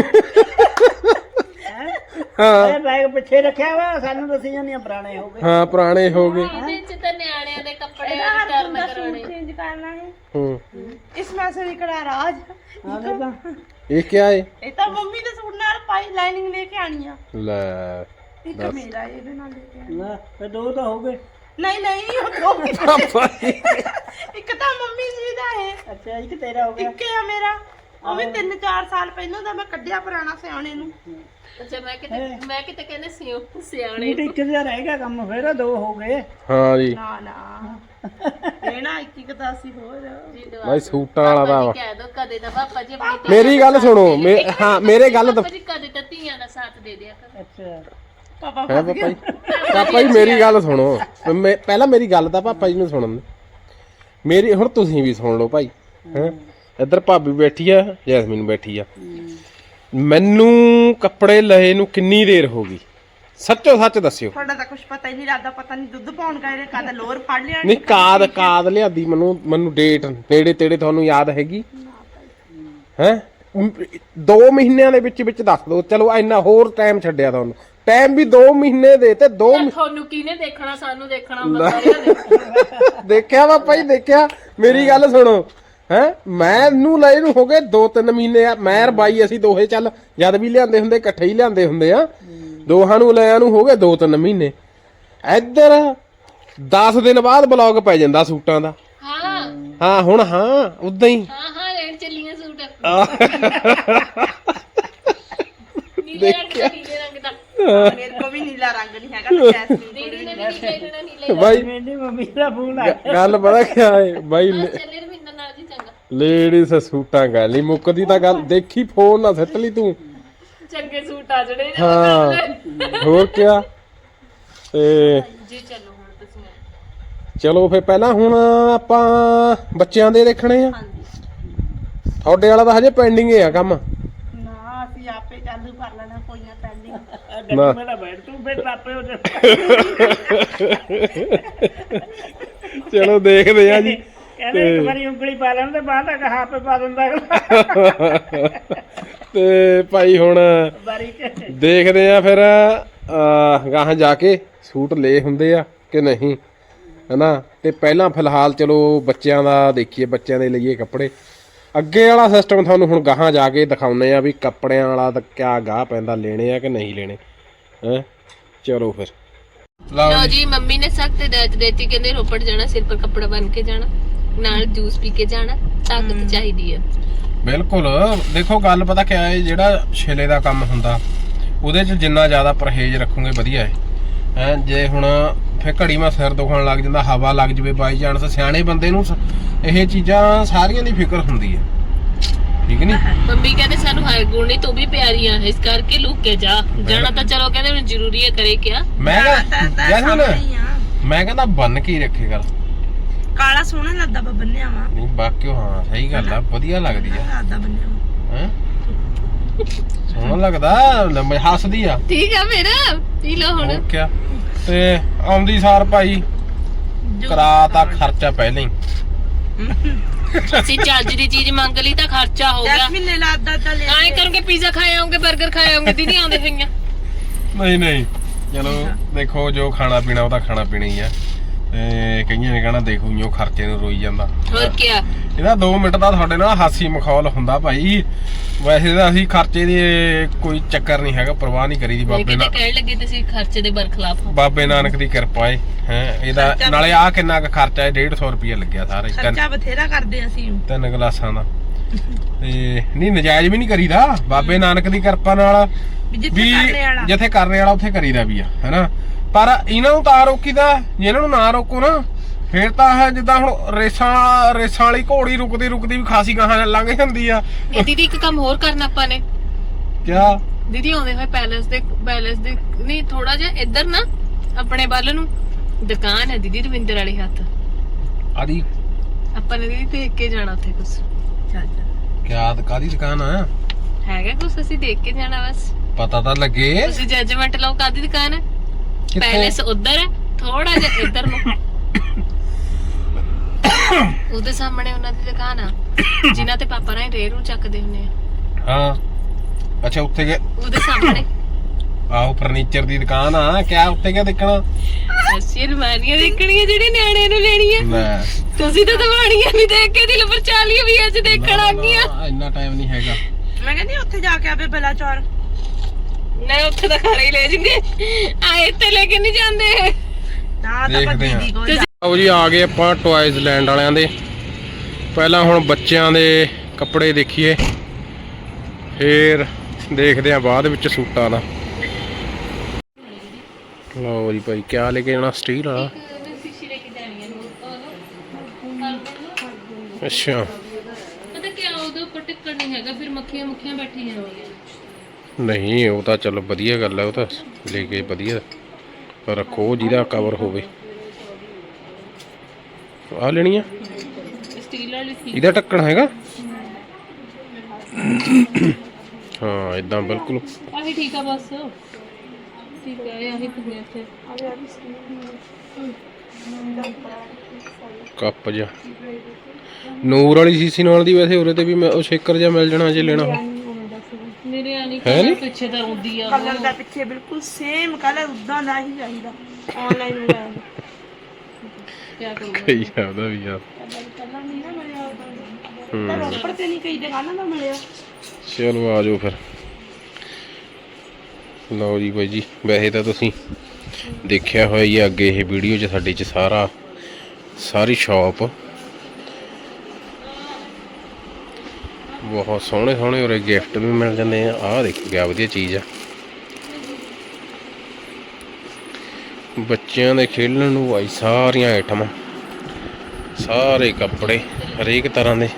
ਹਾਂ ਇਹ ਬੈਗ ਪਿੱਛੇ ਰੱਖਿਆ ਵਾ, ਸਾਨੂੰ ਦੱਸੀ ਜਾਂਦੀਆਂ ਪੁਰਾਣੇ ਹੋ ਗਏ। ਹਾਂ ਪੁਰਾਣੇ ਹੋ ਗਏ। ਇਹਦੇ 'ਚ ਤਾਂ ਨਿਆਣਿਆਂ ਦੇ ਕੱਪੜੇ ਹਰ ਰਿਟਰਨ ਦਾ ਕਰਾਉਣੇ। सूट चेंज करना है। ਹੂੰ इसमें से निकला राज। ਆ ਦੇਖਾਂ ਇਹ ਕਿਆ ਏ? ये तो मम्मी के सूट नाल पाई लाइनिंग लेके आनी है। ਲੈ एक मेरा ये भी ना लेके आनी। ਨਾ ਫਿਰ ਦੋ ਤਾਂ ਹੋ ਗਏ। नहीं नहीं वो दो भी- ਭਾਈ एक तो मम्मी जी दा है, ਅੱਛਾ ਇੱਕ ਤੇਰਾ ਹੋ ਗਿਆ। एक है मेरा। ਉਹ ਵੀ 3-4 ਸਾਲ ਪਹਿਲਾਂ ਦਾ ਮੈਂ ਕੱਢਿਆ ਪੁਰਾਣਾ ਸਿਆਣੇ ਨੂੰ। ਅੱਛਾ ਮੈਂ ਕਿਤੇ ਕਹਿੰਦੇ ਸਿਆਣੇ ਸੂਟ ਇੱਕ ਜਿਹਾ ਰਹਿ ਗਿਆ ਕੰਮ, ਫਿਰ ਦੋ ਹੋ ਗਏ। ਹਾਂ ਜੀ ਨਾ ਨਾ ਇਹ ਨਾ 21 ਹੋਰ। ਜੀ ਦਵਾ ਭਾਈ ਸੂਟਾਂ ਵਾਲਾ ਦਾ ਵਾ। ਕਹਿ ਦੋ ਕਦੇ ਤਾਂ ਪਾਪਾ ਜੀ ਆਪਣੀ ਧੀਆਂ ਮੇਰੀ ਗੱਲ ਸੁਣੋ ਹਾਂ ਮੇਰੇ ਗੱਲ ਪਾਪਾ ਜੀ ਕਦੇ ਤਾਂ ਧੀਆਂ ਦਾ ਸਾਥ ਦੇ ਦਿਆ ਕਰ। ਅੱਛਾ ਪਾਪਾ ਹੈ ਫਸ ਪਾਪਾ ਗਿਆ। ਜੀ ਪਾਪਾ ਜੀ ਮੇਰੀ ਗੱਲ ਸੁਣੋ, ਪਹਿਲਾਂ ਮੇਰੀ ਗੱਲ ਤਾਂ ਪਾਪਾ ਜੀ ਨੂੰ ਸੁਣਨ ਦਿਓ। ਮੇਰੀ ਹੁਣ ਤੁਸੀਂ ਵੀ ਸੁਣ ਲਓ ਭਾਈ। ਹੈ ਇੱਧਰ ਭਾਬੀ ਬੈਠੀ ਆ, ਜੈਸਮੀਨ ਬੈਠੀ ਆ। ਮੈਨੂੰ ਕੱਪੜੇ ਲਏ ਨੂੰ ਕਿੰਨੀ ਦੇਰ ਹੋ ਗਈ, ਸੱਚੋ ਸੱਚ ਦੱਸਿਓ। ਤੁਹਾਡਾ ਤਾਂ ਕੁਝ ਪਤਾ ਹੀ ਨਹੀਂ ਲੱਗਦਾ, ਪਤਾ ਨਹੀਂ ਦੁੱਧ ਪਾਉਣ ਗਏ ਕਦ ਲੋਰ ਫੜ ਲਿਆ। ਨਹੀਂ ਕਾਦ ਲਿਆਦੀ ਮੈਨੂੰ ਡੇਟ ਨੇੜੇ ਤੇੜੇ ਤੁਹਾਨੂੰ ਯਾਦ ਹੈਗੀ ਹੈ? 2 ਮਹੀਨਿਆਂ ਦੇ ਵਿੱਚ ਦੱਸ ਦਿਓ। ਚਲੋ ਇੰਨਾ ਹੋਰ ਟਾਈਮ ਛੱਡਿਆ ਤੁਹਾਨੂੰ, ਟਾਈਮ ਵੀ 2 ਮਹੀਨੇ ਦੇ ਤੇ 2 ਤੁਹਾਨੂੰ ਕਿਹਨੇ ਦੇਖਣਾ, ਸਾਨੂੰ ਦੇਖਣਾ ਸਾਰਿਆਂ ਨੇ। ਦੇਖਿਆ ਪਾਪਾ ਜੀ ਦੇਖਿਆ। ਮੇਰੀ ਗੱਲ ਸੁਣੋ ਹੈ, ਮੈਨੂੰ ਲਏ ਨੂੰ ਹੋ ਗਏ 2-3 ਮਹੀਨੇ ਆ। ਮੈਂ ਬਾਈ ਅਸੀਂ ਦੋਹੇ ਚੱਲ ਜਦ ਵੀ ਲਿਆਂਦੇ ਹੁੰਦੇ ਇਕੱਠੇ ਹੀ ਲਿਆਂਦੇ ਹੁੰਦੇ ਆ, ਦੋਹਾਂ ਨੂੰ ਲਿਆਂ ਨੂੰ ਹੋ ਗਏ 2-3 ਮਹੀਨੇ। ਇੱਧਰ 10 ਦਿਨ ਬਾਅਦ ਬਲੌਗ ਪੈ ਜਾਂਦਾ ਸੂਟਾਂ ਦਾ। ਹਾਂ ਹੁਣ ਹਾਂ ਉਦਾਂ ਹੀ ਹਾਂ ਲੈਣ ਚੱਲੀਆਂ ਸੂਟ ਨੀਲੇ ਰੰਗ ਦਾ। ਮੇਰੇ ਕੋ ਵੀ ਨੀਲਾ ਰੰਗ ਨਹੀਂ ਹੈਗਾ ਤਾਂ ਜੈਸਮੀਨ ਦੀਦੀ ਨੇ ਵੀ ਨੀਲੇ ਲੈਣਾ ਨੀਲੇ ਬਾਈ ਮੇਰੀ ਮੰਮੀ ਦਾ ਫੋਨ ਆ ਗਿਆ। ਗੱਲ ਪਤਾ ਕਿਆ ਹੈ ਬਾਈ, ਚੱਲੇ ਰਵਿੰਦਰ ਨਾਲ ਜੀ ਚੰਗਾ ਲੇਡੀਜ਼ ਸੂਟਾਂ ਗੱਲ ਨਹੀਂ ਮੁੱਕਦੀ ਤਾਂ ਗੱਲ। ਦੇਖੀ ਫੋਨ ਨਾ ਸੱਟ ਲਈ ਤੂੰ। ਚੰਗੇ ਸੂਟ ਆ ਜਿਹੜੇ ਹਾਂ ਹੋਰ ਕਿਆ। ਤੇ ਜੀ ਚਲੋ ਹੁਣ ਤੁਸੀਂ ਚਲੋ ਫਿਰ ਪਹਿਲਾਂ ਹੁਣ ਆਪਾਂ ਬੱਚਿਆਂ ਦੇ ਦੇਖਣੇ ਆ। ਤੁਹਾਡੇ ਵਾਲਾ ਤਾਂ ਹਜੇ ਪੈਂਡਿੰਗ ਆ ਕੰਮ। ਨਾ ਅਸੀਂ ਆਪੇ ਚਾਲੂ ਕਰ ਲੈਣਾ, ਕੋਈ ਨਾ ਪੈਂਡਿੰਗ। ਗੱਡੀ ਮੇਰਾ ਬੈਠ ਤੂੰ ਫਿਰ ਆਪੇ ਹੋ ਜਾ। ਚਲੋ ਦੇਖਦੇ ਆ ਜੀ। ਕਹਿੰਦੇ ਇੱਕ ਵਾਰੀ ਉਂਗਲੀ ਪਾ ਲੈਣ ਤੇ ਬਾਅਦ ਤੱਕ ਹਾਪੇ ਪਾ ਦਿੰਦਾ ਤੇ ਭਾਈ ਹੁਣ ਬਾਰੀ ਚ। ਦੇਖਦੇ ਆ ਫਿਰ ਗਾਹਾਂ ਜਾ ਕੇ ਸੂਟ ਲੈ ਹੁੰਦੇ ਆ ਕਿ ਨਹੀਂ, ਹਨਾ। ਤੇ ਪਹਿਲਾਂ ਫਿਲਹਾਲ ਚਲੋ ਬੱਚਿਆਂ ਦਾ ਦੇਖੀਏ, ਬੱਚਿਆਂ ਦੇ ਲਈਏ ਕੱਪੜੇ। ਅੱਗੇ ਵਾਲਾ ਸਿਸਟਮ ਤੁਹਾਨੂੰ ਹੁਣ ਗਾਹਾਂ ਜਾ ਕੇ ਦਿਖਾਉਂਦੇ ਆ ਵੀ ਕੱਪੜਿਆਂ ਵਾਲਾ ਤਾਂ ਕਿਆ ਗਾਹ ਪੈਂਦਾ, ਲੈਣੇ ਆ ਕਿ ਨਹੀਂ ਲੈਣੇ। ਹੈ ਚਲੋ ਫਿਰ ਲਓ ਜੀ, ਮੰਮੀ ਨੇ ਸਖਤ ਹਦਾਇਤ ਦਿੱਤੀ, ਕਹਿੰਦੇ ਰੋਪੜ ਜਾਣਾ ਸਿਰ ਪਰ ਕੱਪੜਾ ਬੰਨ ਕੇ ਜਾਣਾ, ਨਾਲ ਜੂਸ ਪੀ ਕੇ ਜਾਣਾ, ਤਾਕਤ ਚਾਹੀਦੀ ਹੈ। ਬਿਲਕੁਲ ਦੇਖੋ ਗੱਲ ਪਤਾ ਕਿਆ ਹੈ, ਜਿਹੜਾ ਛਿਲੇ ਦਾ ਕੰਮ ਹੁੰਦਾ ਉਹਦੇ 'ਚ ਜਿੰਨਾ ਜ਼ਿਆਦਾ ਪਰਹੇਜ਼ ਰੱਖੋਗੇ ਵਧੀਆ ਹੈ। ਜੇ ਹੁਣ ਫਿਰ ਘੜੀ ਮਾ ਸਿਰ ਦੁਖਣ ਲੱਗ ਜਾਂਦਾ, ਹਵਾ ਲੱਗ ਜਵੇ ਬਾਈ ਚਾਂਸ, ਸਿਆਣੇ ਬੰਦੇ ਨੂੰ ਇਹ ਚੀਜ਼ਾਂ ਸਾਰੀਆਂ ਦੀ ਫਿਕਰ ਹੁੰਦੀ ਹੈ, ਠੀਕ ਨਹੀਂ? ਮੰਮੀ ਕਹਿੰਦੇ ਸਾਨੂੰ ਹਾਈ ਗੁਣੀ ਤੂੰ ਵੀ ਪਿਆਰੀ ਆ ਇਸ ਕਰਕੇ ਲੁੱਕ ਕੇ ਜਾ ਜਾਣਾ ਤਾਂ ਚਲੋ ਕਹਿੰਦੇ ਹੁਣ ਜ਼ਰੂਰੀ ਹੈ ਕਰੇ ਕਿਆ ਮੈਂ ਕਹਿੰਦਾ ਜੈਸਮੀਨ ਮੈਂ ਕਹਿੰਦਾ ਬੰਨ ਕੇ ਹੀ ਰੱਖੇ ਗੱਲ ਕਾਲਾ ਸੋਹਣਾ ਲੱਗਦਾ ਵਾ ਬੰਨਿਆ ਵਾ ਨਹੀਂ ਬਾਕੀ ਹਾਂ ਸਹੀ ਗੱਲ ਆ ਵਧੀਆ ਲੱਗਦੀ ਆ ਲੱਗਦਾ ਬੰਨਿਆ ਵਾ ਹੈ ਸੋਹਣਾ ਲੱਗਦਾ ਲੰਮੇ ਹੱਸਦੀ ਆ ਠੀਕ ਆ ਫਿਰ ਪੀ ਲਓ ਹੁਣ ਹੋਰ ਕਿਆ ਤੇ ਆਉਂਦੀ ਸਾਰ ਭਾਈ ਕਰਾਤਾ ਖਰਚਾ ਪਹਿਲਾਂ ਹੀ ਅਸੀਂ ਚੱਜ ਦੀ ਚੀਜ਼ ਮੰਗ ਲਈ ਤਾਂ ਖਰਚਾ ਹੋ ਗਿਆ ਜੈਸਮੀਨ ਨੇ ਲਾਦਾ ਤਾਂ ਲੈ ਆਏ ਕਰੋਗੇ ਪੀਜ਼ਾ ਖਾਏ ਆਉਂਗੇ 버ਗਰ ਖਾਏ ਆਉਂਗੇ ਦੀਦੀ ਆਉਂਦੇ ਹੋਈਆਂ ਨਹੀਂ ਨਹੀਂ ਚਲੋ ਦੇਖੋ ਜੋ ਖਾਣਾ ਪੀਣਾ ਉਹਦਾ ਖਾਣਾ ਪੀਣਾ ਹੀ ਆ ਤੇ ਕਈਆਂ ਨੇ ਕਹਿਣਾ ਦੇਖੋ ਇਉਂ ਖਰਚੇ ਨੂੰ ਰੋਈ ਜਾਂਦਾ ਹੋਰ ਕਿਆ ਇਹਦਾ 2 ਮਿੰਟ ਦਾ ਤੁਹਾਡੇ ਨਾਲ ਹਾਸੀ ਮਖੌਲ ਹੁੰਦਾ ਭਾਈ ਵੈਸੇ ਤਾਂ ਅਸੀਂ ਖਰਚੇ ਦੀ ਕੋਈ ਚੱਕਰ ਨਹੀਂ ਹੈਗਾ ਪਰਵਾਹ ਨਹੀਂ ਕਰੀਦੀ ਬਾਬੇ ਕਿਤੇ ਨਾਲ ਕਹਿਣ ਲੱਗੇ ਤੁਸੀਂ ਖਰਚੇ ਦੇ ਬਰਖਲਾਫ ਹੋ ਬਾਬੇ ਨਾਨਕ ਦੀ ਕਿਰਪਾ ਹੈ ਇਹਦਾ ਨਾਲੇ ਆ ਕਿੰਨਾ ਕੁ ਖਰਚਾ ਹੈ 150 ਰੁਪਏ ਲੱਗਿਆ ਸਾਰੇ ਖਰਚਾ ਬਥੇਰਾ ਕਰਦੇ ਅਸੀਂ 3 ਗਲਾਸਾਂ ਦਾ ਤੇ ਨਹੀਂ ਨਜਾਇਜ਼ ਵੀ ਨਹੀਂ ਕਰੀਦਾ ਬਾਬੇ ਨਾਨਕ ਦੀ ਕਿਰਪਾ ਨਾਲ ਜਿੱਥੇ ਕਰਨੇ ਵਾਲਾ ਜਿੱਥੇ ਕਰਨੇ ਵਾਲਾ ਉੱਥੇ ਕਰੀਦਾ ਵੀ ਆ ਹੈਨਾ ਪਰ ਇਹਨਾਂ ਨੂੰ ਤਾਂ ਰੋਕੀਦਾ ਜੇ ਇਹਨਾਂ ਨੂੰ ਨਾ ਰੋਕੋ ਨਾ ਫੇਰ ਤਾਂ ਹੈ ਜਿੱਦਾਂ ਹੁਣ ਰੇਸਾਂ ਵਾਲੀ ਘੋੜੀ ਰੁਕਦੀ ਵੀ ਖਾਸੀ ਗਾਹਾਂ ਲੰਘ ਜਾਂਦੀ ਆ ਇਹ ਦੀਦੀ ਇੱਕ ਕੰਮ ਹੋਰ ਕਰਨਾ ਆਪਾਂ ਨੇ ਕਿਆ ਦੀਦੀ ਆਉਂਦੇ ਹੋਏ ਪੈਲੇਸ ਦੇ ਨਹੀਂ ਥੋੜਾ ਜਿਹਾ ਇੱਧਰ ਨਾ ਆਪਣੇ ਵੱਲ ਨੂੰ ਦੁਕਾਨ ਹੈ ਦੀਦੀ ਰਵਿੰਦਰ ਵਾਲੇ ਹੱਥ ਆਦੀ ਆਪਾਂ ਨੇ ਦੀਦੀ ਦੇਖ ਕੇ ਜਾਣਾ ਉੱਥੇ ਕੁਝ ਚੱਲ ਕਿਆ ਕਾਦੀ ਦੁਕਾਨ ਆ ਹੈਗਾ ਕੁਝ ਅਸੀਂ ਦੇਖ ਕੇ ਜਾਣਾ ਬਸ ਪਤਾ ਤਾਂ ਲੱਗੇ ਤੁਸੀਂ ਜੱਜਮੈਂਟ ਲਾਓ ਕਾਦੀ ਦੁਕਾਨ ਹੈ ਕਿੱਥੇ? ਪੈਲੇਸ ਉੱਧਰ ਹੈ ਥੋੜਾ ਜਿਹਾ ਇੱਧਰ ਨੂੰ ਉਹਦੇ ਸਾਹਮਣੇ ਉਹਨਾਂ ਦੀ ਦੁਕਾਨ ਆ ਜਿਨ੍ਹਾਂ ਤੇ ਪਾਪਾ ਨਾਲ ਰੇਰੂ ਚੱਕਦੇ ਹੁੰਦੇ ਆ ਹਾਂ ਅੱਛਾ ਉੱਥੇ ਗਏ ਉਹਦੇ ਸਾਹਮਣੇ ਆਹੋ ਫਰਨੀਚਰ ਦੀ ਦੁਕਾਨ ਆ ਕਿਆ ਉੱਥੇ ਕਿਆ ਦੇਖਣਾ ਅਸੀਂ ਰਮਾਨੀਆਂ ਦੇਖਣੀਆਂ ਜਿਹੜੇ ਨਿਆਣੇ ਨੂੰ ਲੈਣੀਆਂ ਲੈ ਤੁਸੀਂ ਤਾਂ ਦਵਾਣੀਆਂ ਵੀ ਦੇਖ ਕੇ ਦਿਲ ਪਰਚਾ ਲਈ ਵੀ ਅੱਜ ਦੇਖਣ ਆ ਗਈਆਂ ਇੰਨਾ ਟਾਈਮ ਨਹੀਂ ਹੈਗਾ ਮੈਂ ਕਹਿੰਦੀ ਉੱਥੇ ਜਾ ਕੇ ਆਵੇ ਬਲਾਚੌਰ ਨਹੀਂ ਉੱਥੇ ਤਾਂ ਘਰੇ ਹੀ ਲੈ ਜੂਗੇ ਆਏ ਇੱਥੇ ਲੈ ਕੇ ਨਹੀਂ ਜਾਂਦੇ ਨਾ ਤਾਂ ਦੇਖਦੇ ਆ। ਦੀਦੀ ਕੋਲ ਆਓ ਜੀ ਆ ਗਏ ਆਪਾਂ ਟੌਇਜ਼ ਲੈਂਡ ਵਾਲਿਆਂ ਦੇ ਪਹਿਲਾਂ ਹੁਣ ਬੱਚਿਆਂ ਦੇ ਕੱਪੜੇ ਦੇਖੀਏ ਫੇਰ ਦੇਖਦੇ ਆ ਬਾਅਦ ਵਿੱਚ ਸੂਟਾਂ ਦਾ ਲਓ ਜੀ ਭਾਈ ਕਿਆ ਲੈ ਕੇ ਜਾਣਾ ਸਟੀਲ ਵਾਲਾ ਅੱਛਾ ਪਤਾ ਕੀ ਉਹਦੇ ਉੱਪਰ ਟਿੱਕਣ ਨਹੀਂ ਹੈਗਾ ਫਿਰ ਮੱਖੀਆਂ ਬੈਠੀ ਜਾਂਦੀਆਂ ਨਹੀਂ ਉਹ ਤਾਂ ਚਲੋ ਵਧੀਆ ਗੱਲ ਹੈ ਉਹ ਤਾਂ ਲੈ ਕੇ ਵਧੀਆ ਰੱਖੋ ਜਿਹਦਾ ਕਵਰ ਹੋਵੇ ਆ ਲੈਣੀ ਆ ਸਟੀਲ ਵਾਲੀ ਸੀ ਇਹਦਾ ਢੱਕਣ ਹੈਗਾ ਹਾਂ ਇਦਾਂ ਬਿਲਕੁਲ ਆਹੀ ਠੀਕ ਆ ਬਸ ਠੀਕ ਹੈ ਆਹੀ ਕੁਝ ਇੱਥੇ ਕੱਪ ਜਿਹਾ ਨੂਰ ਵਾਲੀ ਸੀਸੀ ਨਾਲ ਦੀ ਵੈਸੇ ਉਰੇ ਤੇ ਵੀ ਉਹ ਸ਼ੇਕਰ ਜਿਹਾ ਮਿਲ ਜਾਣਾ ਜੇ ਲੈਣਾ ਹੋ ਮੇਰੇ ਆਣੀ ਹੈ ਨੀ? ਪਿੱਛੇ ਤਾਂ ਰੋਂਦੀ ਆ ਕਲਰ ਦਾ ਪਿੱਛੇ ਬਿਲਕੁਲ ਸੇਮ ਕਲਰ ਉਦਾਂ ਦਾ ਹੀ ਚਾਹੀਦਾ ਆਨਲਾਈਨ ਮੰਗਾਇਆ ਕੀ ਕਰੂੰਗਾ ਕਈ ਉਹਦਾ ਵੀ ਯਾਰ ਕਲਰ ਨਹੀਂ ਨਾ ਮਿਲਿਆ ਉਦਾਂ ਤਾਂ ਰੋਪੜ ਤੇ ਨਹੀਂ ਕਈ ਦੁਕਾਨਾਂ ਦਾ ਮਿਲਿਆ ਚਲੋ ਆ ਜਾਓ ਫਿਰ ਲਓ ਜੀ ਬਾਈ ਜੀ ਵੈਸੇ ਤਾਂ ਤੁਸੀਂ ਦੇਖਿਆ ਹੋਇਆ ਹੀ ਆ ਅੱਗੇ ਇਹ ਵੀਡੀਓ 'ਚ ਸਾਡੇ 'ਚ ਸਾਰੀ ਸ਼ਾਪ ਬਹੁਤ ਸੋਹਣੇ ਉਰੇ ਗਿਫਟ ਵੀ ਮਿਲ ਜਾਂਦੇ ਆ ਆਹ ਦੇਖੋ ਕਿਆ ਵਧੀਆ ਚੀਜ਼ ਆ ਬੱਚਿਆਂ ਦੇ ਖੇਡਣ ਨੂੰ ਭਾਈ ਸਾਰੀਆਂ ਆਈਟਮਾਂ ਸਾਰੇ ਕੱਪੜੇ ਹਰੇਕ ਤਰ੍ਹਾਂ ਦੇ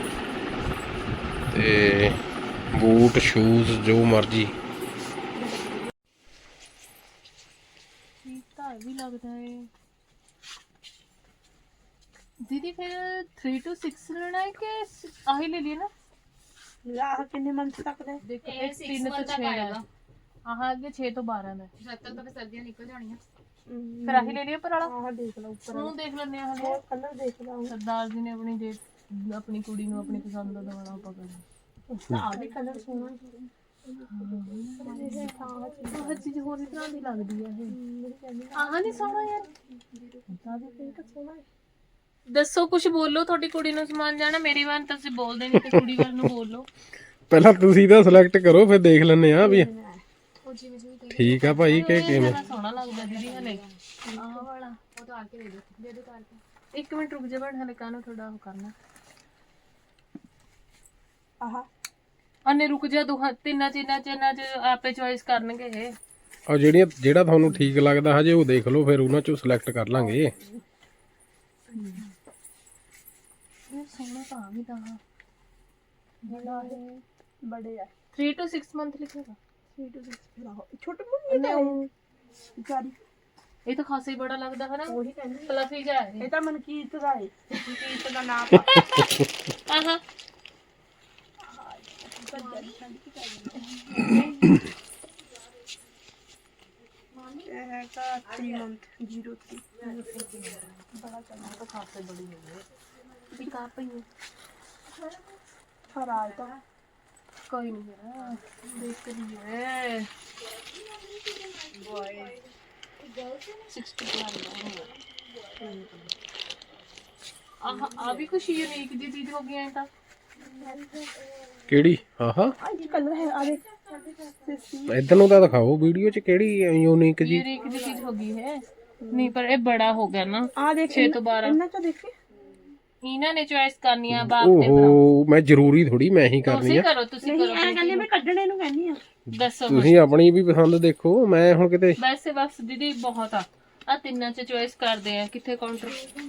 ਤੇ ਬੂਟ ਸ਼ੂਜ਼ ਜੋ ਮਰਜੀ ਤਾਂ ਵੀ ਲੱਗਦਾ ਹੈ ਦੀਦੀ ਫਿਰ 3 to 6 ਲੈਣਾ ਹੈ ਕਿ ਆਹੀ ਲੈ ਲਈ ਨਾ ਲਾ ਕਿੰਨੇ ਮੰਥ ਤੱਕ ਦੇ ਦੇਖੋ ਇਹ 3 ਤੋਂ 6 ਆਏਗਾ ਆਹ ਅੱਗੇ 6 ਤੋਂ 12 ਦਾ ਜਦ ਤੱਕ ਤਾਂ ਸਰਦੀਆਂ ਨਿਕਲ ਜਾਣੀਆਂ ਫਿਰ ਆਹੀ ਲੈ ਲਈ ਉੱਪਰ ਵਾਲਾ ਆਹ ਦੇਖ ਲਓ ਉੱਪਰ ਉਹਨੂੰ ਦੇਖ ਲੈਂਦੇ ਆ ਹਲੇ ਕਲਰ ਦੇਖ ਲਓ ਸਰਦਾਰ ਜੀ ਨੇ ਆਪਣੀ ਕੁੜੀ ਨੂੰ ਆਪਣੀ ਪਸੰਦ ਦਾ ਦਵਾਣਾ ਪਕੜਨਾ ਆਹ ਵੀ ਕਲਰ ਸੋਹਣਾ ਹਰ ਚੀਜ਼ ਹੋਰ ਇਸ ਤਰ੍ਹਾਂ ਦੀ ਲੱਗਦੀ ਹੈ ਇਹ ਆਹ ਨਹੀਂ ਸੋਹਣਾ ਯਾਰ ਤਾਂ ਵੀ ਪਿੰਕ ਸੋਹਣਾ ਦੱਸੋ ਕੁਝ ਬੋਲੋ ਤੁਹਾਡੀ ਕੁੜੀ ਨੂੰ ਸਮਾਨ ਜਾਣਾ ਮੇਰੀ ਵਾਰ ਤੁਸੀਂ ਬੋਲਦੇ ਨਹੀਂ ਤੇ ਕੁੜੀ ਵੱਲ ਨੂੰ ਬੋਲੋ ਪਹਿਲਾਂ ਤੁਸੀਂ ਤਾਂ ਸਿਲੈਕਟ ਕਰੋ ਫਿਰ ਦੇਖ ਲੈਂਦੇ ਆ ਵੀ ਠੀਕ ਆ ਭਾਈ ਕਿ ਕਿਵੇਂ ਸੋਹਣਾ ਲੱਗਦਾ ਦੀਦੀ ਹਲੇ ਆਹ ਵਾਲਾ ਉਹ ਤਾਂ ਆ ਕੇ ਦੇ ਦੋ ਤਾਰ ਕੇ 1 ਮਿੰਟ ਰੁਕ ਜਾ ਬਣ ਹਲੇ ਕਾਨੂੰ ਥੋੜਾ ਉਹ ਕਰਨਾ ਆਹ ਅਨੇ ਰੁਕ ਜਾ ਤਿੰਨਾਂ ਚ ਆਪੇ ਚੋਇਸ ਕਰਨਗੇ ਇਹ ਆ ਜਿਹੜਾ ਤੁਹਾਨੂੰ ਠੀਕ ਲੱਗਦਾ ਹਜੇ ਉਹ ਦੇਖ ਲਓ ਫਿਰ ਉਹਨਾਂ ਚੋਂ ਸਿਲੈਕਟ ਕਰ ਲਾਂਗੇ ਇਹ ਸੋਹਣਾ ਤਾਂ ਵੀ ਤਾਂ ਬੜੇ ਆ 3 to 6 ਮੰਥ ਲਿਖੇਗਾ 3 to 6 ਛੋਟੇ ਮੁੰਡੇ ਨੇ ਵਿਚਾਰੀ ਇਹ ਤਾਂ ਖਾਸਾ ਹੀ ਬੜਾ ਲੱਗਦਾ ਹੈ ਨਾ ਉਹੀ ਕਹਿੰਦੀ ਫਲਫੀ ਜਿਹਾ ਹੈ ਇਹ ਤਾਂ ਮਨਕੀਰਤ ਦਾ ਹੈ ਮਨਕੀਰਤ ਦਾ ਨਾਮ ਆਹਾ ਇਹ ਹੈ ਤਾਂ 3 ਮੰਥ 03 ਬੜਾ ਚੰਗਾ ਤਾਂ ਖਾਸਾ ਹੀ ਬੜੀ ਹੋ ਗਈ ਵੀ ਕਾ ਪਈ ਫਰਾਲ ਤਾਂ ਕੋਈ ਨਹੀਂ ਹੈ ਦੇਖ ਰਹੀ ਹੈ 61 ਆ ਵੀ ਕੁਛ ਯੂਨੀਕ ਦੀ ਚੀਜ਼ ਹੋ ਗਈ ਐ ਤਾਂ ਕਿਹੜੀ ਆਹਾ ਇਹ ਕਲਰ ਹੈ ਆ ਦੇਖ ਇਧਰ ਨੂੰ ਤਾਂ ਦਿਖਾਓ ਵੀਡੀਓ 'ਚ ਕਿਹੜੀ ਯੂਨੀਕ ਜੀ ਯੂਨੀਕ ਦੀ ਚੀਜ਼ ਹੋ ਗਈ ਹੈ ਨਹੀਂ ਪਰ ਇਹ ਬੜਾ ਹੋ ਗਿਆ ਨਾ ਆ ਦੇਖ 6 ਤੋਂ 12 ਇਹਨਾਂ ਚੋਂ ਦੇਖੀ ਇਹਨਾਂ ਨੇ ਚੁਆਇਸ ਕਰਨੀ ਆ ਬਾਪ ਤੇ ਭਰਾ ਓਹੋ ਮੈਂ ਜ਼ਰੂਰੀ ਥੋੜੀ ਮੈਂ ਹੀ ਕਰਨੀ ਤੁਸੀਂ ਆ ਕਰੋ ਤੁਸੀਂ ਨਹੀਂ ਕਰੋ ਐ ਕਹਿੰਦੇ ਮੈਂ ਕੱਢਣੇ ਨੂੰ ਕਹਿੰਦੀ ਆ ਦੱਸੋ ਤੁਸੀਂ ਆਪਣੀ ਵੀ ਪਸੰਦ ਦੇਖੋ ਮੈਂ ਹੁਣ ਕਿਤੇ ਵੈਸੇ ਬਸ ਦੀਦੀ ਬਹੁਤ ਆ ਤਿੰਨਾਂ ਚ ਚੁਆਇਸ ਕਰਦੇ ਆ ਕਿੱਥੇ ਕਾਊਂਟਰ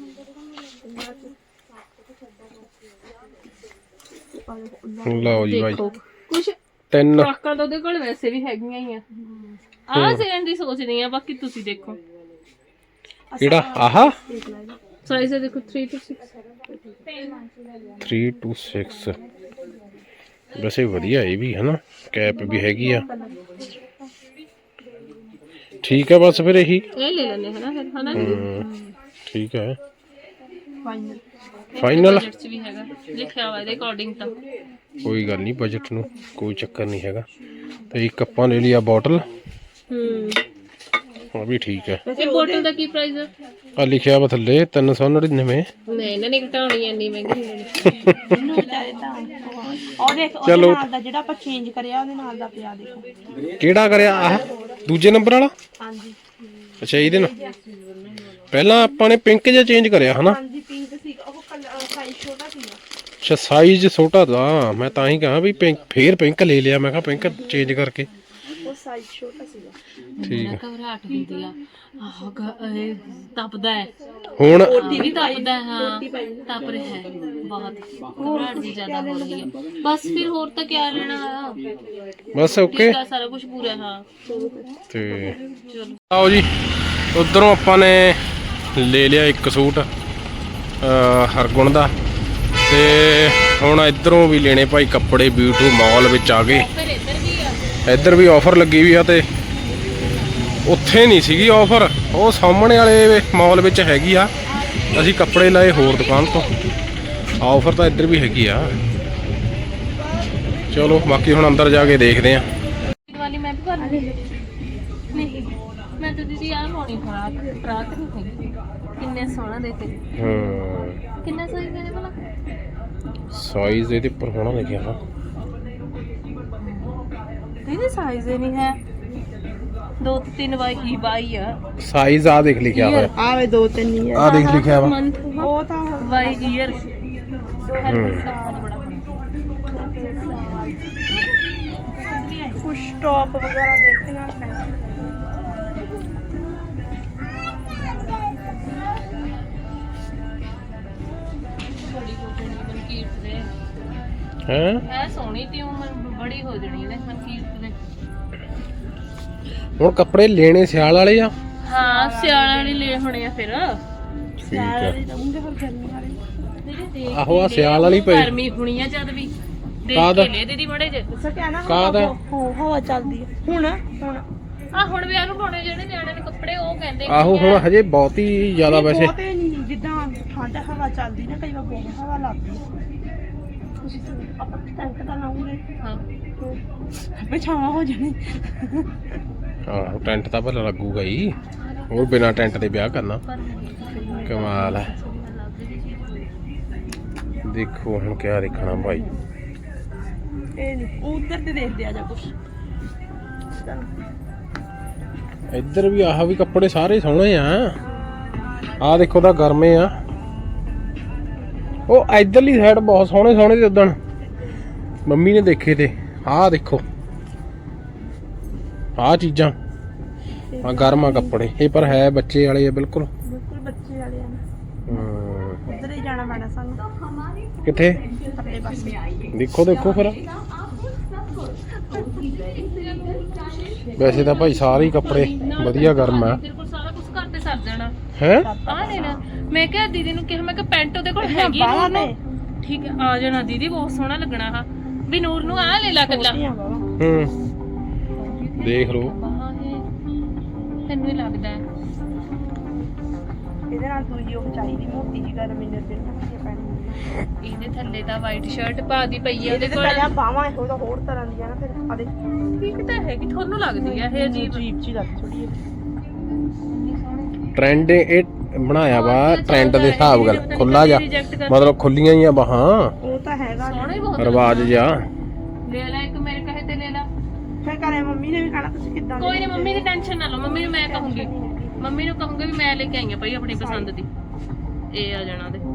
ਲਓ ਜੀ ਬਾਈ ਦੇਖੋ ਕੁਛ ਤਿੰਨ ਫਰਾਕਾਂ ਤਾਂ ਉਹਦੇ ਕੋਲ ਵੈਸੇ ਵੀ ਹੈਗੀਆਂ ਹੀ ਆ ਸੇਨ ਦੀ ਸੋਚਦੀ ਆ ਬਾਕੀ ਤੁਸੀਂ ਦੇਖੋ ਕਿਹੜਾ ਆਹਾ ਸਾਈਜ਼ ਦੇਖੋ 3 to 6 3 to 6 ਵੈਸੇ ਵਧੀਆ ਇਹ ਵੀ ਹੈ ਨਾ ਕੈਪ ਵੀ ਹੈਗੀ ਆ ਠੀਕ ਹੈ ਬਸ ਫਿਰ ਇਹੀ ਇਹ ਲੈ ਲੈਣੇ ਹਨਾ ਫਿਰ ਹਨਾ ਠੀਕ ਹੈ ਫਾਈਨਲ ਫਾਈਨਲ ਬਜਟ ਚ ਵੀ ਹੈਗਾ ਲਿਖਿਆ ਹੋਇਆ ਇਹਦੇ ਅਕੋਰਡਿੰਗ ਤਾਂ ਕੋਈ ਗੱਲ ਨਹੀਂ ਬਜਟ ਨੂੰ ਕੋਈ ਚੱਕਰ ਨਹੀਂ ਹੈਗਾ ਤੇ ਇੱਕ ਆਪਾਂ ਲੈ ਲਿਆ ਬੋਟਲ ਉਹ ਵੀ ਠੀਕ ਹੈ ਇਹ ਬੋਟਲ ਦਾ ਕੀ ਪ੍ਰਾਈਸ ਹੈ ਆ ਲਿਖਿਆ ਵਾ ਥੱਲੇ 399 ਨਹੀਂ ਇਹਨਾਂ ਨੇ ਘਟਾਉਣੀ ਐਨੀ ਮਹਿੰਗੀ ਨਹੀਂ ਲੈਣੀ ਉਹ ਦੇਖ ਉਹਦੇ ਨਾਲ ਦਾ ਜਿਹੜਾ ਆਪਾਂ ਚੇਂਜ ਕਰਿਆ ਉਹਦੇ ਨਾਲ ਦਾ ਪਿਆ ਦੇਖੋ ਕਿਹੜਾ ਕਰਿਆ ਆਹ ਦੂਜੇ ਨੰਬਰ ਵਾਲਾ ਹਾਂਜੀ ਅੱਛਾ ਇਹਦੇ ਨਾਲ ਪਹਿਲਾਂ ਆਪਾਂ ਨੇ ਪਿੰਕ ਜਿਹਾ ਚੇਂਜ ਕਰਿਆ ਹਨਾ ਹਾਂਜੀ ਪਿੰਕ ਸੀ ਉਹ ਸਾਈਜ਼ ਛੋਟਾ ਸੀਗਾ ਅੱਛਾ ਸਾਈਜ਼ ਛੋਟਾ ਦਾ ਮੈਂ ਤਾਂ ਹੀ ਕਹਾਂ ਵੀ ਪਿੰਕ ਫੇਰ ਪਿੰਕ ਲੈ ਲਿਆ ਮੈਂ ਕਿਹਾ ਪਿੰਕ ਚੇਂਜ ਕਰਕੇ ਉਹ ਸਾਈਜ਼ ਛੋਟਾ ਸੀਗਾ ਠੀਕ ਹੈ ਘਬਰਾਹਟ ਹੁੰਦੀ ਆ ਇਹ ਤਪਦਾ ਹੈ ਹੁਣ ਇਹ ਵੀ ਤਪਦਾ ਹੈ ਹਾਂ ਤਪ ਰਿਹਾ ਹੈ ਬਹੁਤ ਘਬਰਾਹਟ ਦੀ ਜ਼ਿਆਦਾ ਹੋ ਰਹੀ ਹੈ ਬਸ ਫਿਰ ਹੋਰ ਤਾਂ ਕੀ ਲੈਣਾ ਬਸ ਓਕੇ ਦਾ ਸਾਰਾ ਕੁਝ ਪੂਰਾ ਹਾਂ ਤੇ ਚਲੋ ਆਓ ਜੀ ਉਧਰੋਂ ਆਪਾਂ ਨੇ ਲੈ ਲਿਆ ਇੱਕ ਸੂਟ ਹਰਗੁਣ ਦਾ ਤੇ ਹੁਣ ਇਧਰੋਂ ਵੀ ਲੈਣੇ ਭਾਈ ਕੱਪੜੇ ਬਿਊਟੀ ਮਾਲ ਵਿੱਚ ਆ ਗਏ ਫਿਰ ਇੱਧਰ ਵੀ ਆ ਇੱਧਰ ਵੀ ਆਫਰ ਲੱਗੀ ਵੀ ਆ ਤੇ ਉੱਥੇ ਨਹੀਂ ਸੀਗੀ ਆਫਰ ਉਹ ਸਾਹਮਣੇ ਵਾਲੇ ਮਾਲ ਵਿੱਚ ਹੈਗੀ ਆ ਅਸੀਂ ਕੱਪੜੇ ਲਏ ਹੋਰ ਦੁਕਾਨ ਤੋਂ ਆਫਰ ਤਾਂ ਇੱਧਰ ਵੀ ਹੈਗੀ ਆ ਚਲੋ ਬਾਕੀ ਹੁਣ ਅੰਦਰ ਜਾ ਕੇ ਦੇਖਦੇ ਆ ਵਾਲੀ ਮੈਂ ਵੀ ਕਰ ਲਈ ਨਹੀਂ ਮੈਂ ਤਾਂ ਦੀਦੀ ਆ ਪਾਉਣੀ ਫਰਾਕ ਨਹੀਂ ਹੈਗੀ ਕਿੰਨੇ ਸੋਹਣਾ ਦੇਤੇ ਹਾਂ ਕਿੰਨਾ ਸਾਈਜ਼ ਦੇ ਭਲਾ ਸਾਈਜ਼ ਇਹਦੇ ਉੱਪਰ ਹੋਣਾ ਲਿਖਿਆ ਨਾ ਦੀਦੀ ਸਾਈਜ਼ ਹੀ ਨਹੀਂ ਹੈ 2-3 ਬਾਈ ਆ ਸਾਈਜ਼ ਆ ਦੇਖ ਲਿਖਿਆ ਹੋਇਆ ਆਵੇ 2-3 ਹੀ ਆ ਦੇਖ ਲਿਖਿਆ ਵਾ ਮੰਥ ਉਹ ਤਾਂ ਬਾਈ ਈਅਰ ਕੁਛ ਟੌਪ ਵਗੈਰਾ ਦੇਖਣਾ ਹੈ ਹੈ ਹੈ ਸੋਹਣੀ ਤੀ ਉਮਰ ਬੜੀ ਹੋ ਜਣੀ ਇਹਨੇ ਮਨਕੀਰਤ ਦੇ ਹੁਣ ਕੱਪੜੇ ਲੈਣੇ ਸਿਆਲ ਵਾਲੇ ਆ ਹਾਂ ਸਿਆਲ ਵਾਲੀ ਲੈ ਹੋਣੇ ਆ ਫਿਰ ਠੀਕ ਆ ਦਊਂਗੇ ਫਿਰ ਗਰਮੀ ਵਾਲੇ ਦੀਦੀ ਦੇਖ ਆਹੋ ਆ ਸਿਆਲ ਵਾਲੀ ਪਈ ਗਰਮੀ ਹੋਣੀ ਆ ਜਦ ਵੀ ਦੇਖ ਕਾਹਦਾ? ਕੇ ਲੈ ਦੀਦੀ ਮੜੇ ਜੇ ਸਕਿਆ ਨਾ ਕਾਹਦਾ? ਹਵਾ ਚੱਲਦੀ ਹੈ ਹੁਣ ਆ ਹੁਣ ਵਿਆਹ ਨੂੰ ਪਾਉਣੇ ਜਿਹੜੇ ਨਿਆਣੇ ਨੇ ਕੱਪੜੇ ਉਹ ਕਹਿੰਦੇ ਆਹੋ ਹੁਣ ਹਜੇ ਬਹੁਤ ਹੀ ਜ਼ਿਆਦਾ ਵੈਸੇ ਬਹੁਤੇ ਨਹੀਂ ਜਿੱਦਾਂ ਠੰਡ ਹਵਾ ਚੱਲਦੀ ਨਾ ਕਈ ਵਾਰ ਬਹੁਤ ਹਵਾ ਲੱਗਦੀ ਹੈ ਤੁਸੀਂ ਆਪਾਂ ਟੈਂਕ ਦਾ ਲਾਉਂਗੇ ਹਾਂ ਪਿਛਾਵਾਂ ਹੋ ਜਾਣੀ ਆਹੋ ਟੈਂਟ ਤਾਂ ਭਲਾ ਲੱਗੂਗਾ ਹੀ ਹੋਰ ਬਿਨਾ ਟੈਂਟ ਦੇ ਵਿਆਹ ਕਰਨਾ ਕਮਾਲ ਹੈ ਦੇਖੋ ਹੁਣ ਕਿਆ ਦੇਖਣਾ ਭਾਈ ਇਹ ਨਹੀਂ ਉਧਰ ਤੇ ਦੇਖਦੇ ਆ ਜਾ ਕੁਛ ਇੱਧਰ ਵੀ ਆਹ ਵੀ ਕੱਪੜੇ ਸਾਰੇ ਸੋਹਣੇ ਆ ਆਹ ਦੇਖੋ ਤਾਂ ਗਰਮੇ ਆ ਉਹ ਇੱਧਰਲੀ ਸਾਈਡ ਬਹੁਤ ਸੋਹਣੇ ਸੋਹਣੇ ਤੇ ਉਦਣ ਮੰਮੀ ਨੇ ਦੇਖੇ ਤੇ ਆਹ ਦੇਖੋ ਆਹ ਚੀਜ਼ਾਂ ਆ ਗਰਮਾ ਕੱਪੜੇ ਇਹ ਪਰ ਹੈ ਬੱਚੇ ਵਾਲੇ ਆ ਬਿਲਕੁਲ ਬਿਲਕੁਲ ਬੱਚੇ ਵਾਲੇ ਆ ਨਾ ਉਧਰ ਹੀ ਜਾਣਾ ਪੈਣਾ ਸਾਨੂੰ ਕਿੱਥੇ ਪਰਲੇ ਪਾਸੇ। ਦੇਖੋ ਦੇਖੋ ਫਿਰ ਵੈਸੇ ਤਾਂ ਭਾਈ ਸਾਰੇ ਹੀ ਕੱਪੜੇ ਵਧੀਆ ਗਰਮ ਆ ਤੇਰੇ ਕੋਲ ਸਾਰਾ ਕੁਝ ਘਰ ਤੇ ਸਰ ਜਾਣਾ ਹੈ। ਆ ਲੈ ਲੈ। ਮੈਂ ਕਿਹਾ ਦੀਦੀ ਨੂੰ ਕਿਹਾ, ਮੈਂ ਕਿਹਾ ਪੈਂਟ ਉਹਦੇ ਕੋਲ ਹੈਗੀ ਬਾਹਾਂ ਨੂਰ ਨੇ ਨੂੰ। ਠੀਕ ਹੈ ਆ ਜਾਣਾ ਦੀਦੀ, ਬਹੁਤ ਸੋਹਣਾ ਲੱਗਣਾ ਆ ਵੀ ਨੂਰ ਨੂੰ ਆ ਲੈ ਲਾ ਕੱਲਾ। ਦੇਖ ਲਓ ਬਾਹਾਂ ਇਹ ਤੈਨੂੰ ਹੀ ਲੱਗਦਾ ਹੈ। ਇਹਦੇ ਨਾਲ ਦੂਜੀ ਉਹ ਚਾਹੀਦੀ ਮੋਟੀ ਜੀ ਗਰਮ ਇੰਨਰ ਜਿਹੜੀ ਪੈਣੀ। ਇਹਦੇ ਥੱਲੇ ਤਾਂ ਵਾਈਟ ਸ਼ਰਟ ਪਾ ਦੀ ਪਈ ਆ ਇਹਦੇ ਉਹਦੇ ਤੇ ਕੋਲ। ਪਹਿਲਾਂ ਬਾਹਾਂ ਇਹੋ ਤਾਂ ਹੋਰ ਤਰ੍ਹਾਂ ਦੀਆਂ ਨਾ ਫਿਰ ਆ ਦੇਖ ਠੀਕ ਤਾਂ ਹੈਗੀ, ਤੁਹਾਨੂੰ ਲੱਗਦੀ ਆ ਇਹ ਅਜੀਬ। ਅਜੀਬ ਜੀ ਲੱਗ ਥੋੜੀ ਜਿਹੀ। ਟ੍ਰੈਂਡ ਇਹ ਬਣਾਇਆ ਵਾ ਟ੍ਰੈਂਡ ਦੇ ਹਿਸਾਬ ਨਾਲ ਖੁੱਲਾ ਜਾ ਮਤਲਬ ਖੁੱਲੀਆਂ ਹੀ ਆ ਬਾਹਾਂ ਉਹ ਤਾਂ ਹੈਗਾ ਸੋਹਣਾ ਹੀ ਬਹੁਤ ਰਿਵਾਜ ਜਾ ਲੈ ਲੈ ਇੱਕ ਮੇਰੇ ਕਹੇ ਤੇ ਲੈ ਲੈ। ਫਿਰ ਘਰੇ ਮੰਮੀ ਨੇ ਵੀ ਕਹਿਣਾ ਤੁਸੀਂ ਕਿੱਦਾਂ ਕੋਈ ਨਹੀਂ, ਮੰਮੀ ਦੀ ਟੈਨਸ਼ਨ ਨਾ ਲਓ, ਮੰਮੀ ਨੂੰ ਮੈਂ ਕਹੂੰਗੀ, ਮੰਮੀ ਨੂੰ ਕਹੂੰਗੀ ਵੀ ਮੈਂ ਲੈ ਕੇ ਆਈ ਆ ਭਾਈ ਆਪਣੀ ਪਸੰਦ ਦੀ। ਇਹ ਆ ਜਾਣਾ ਦੇ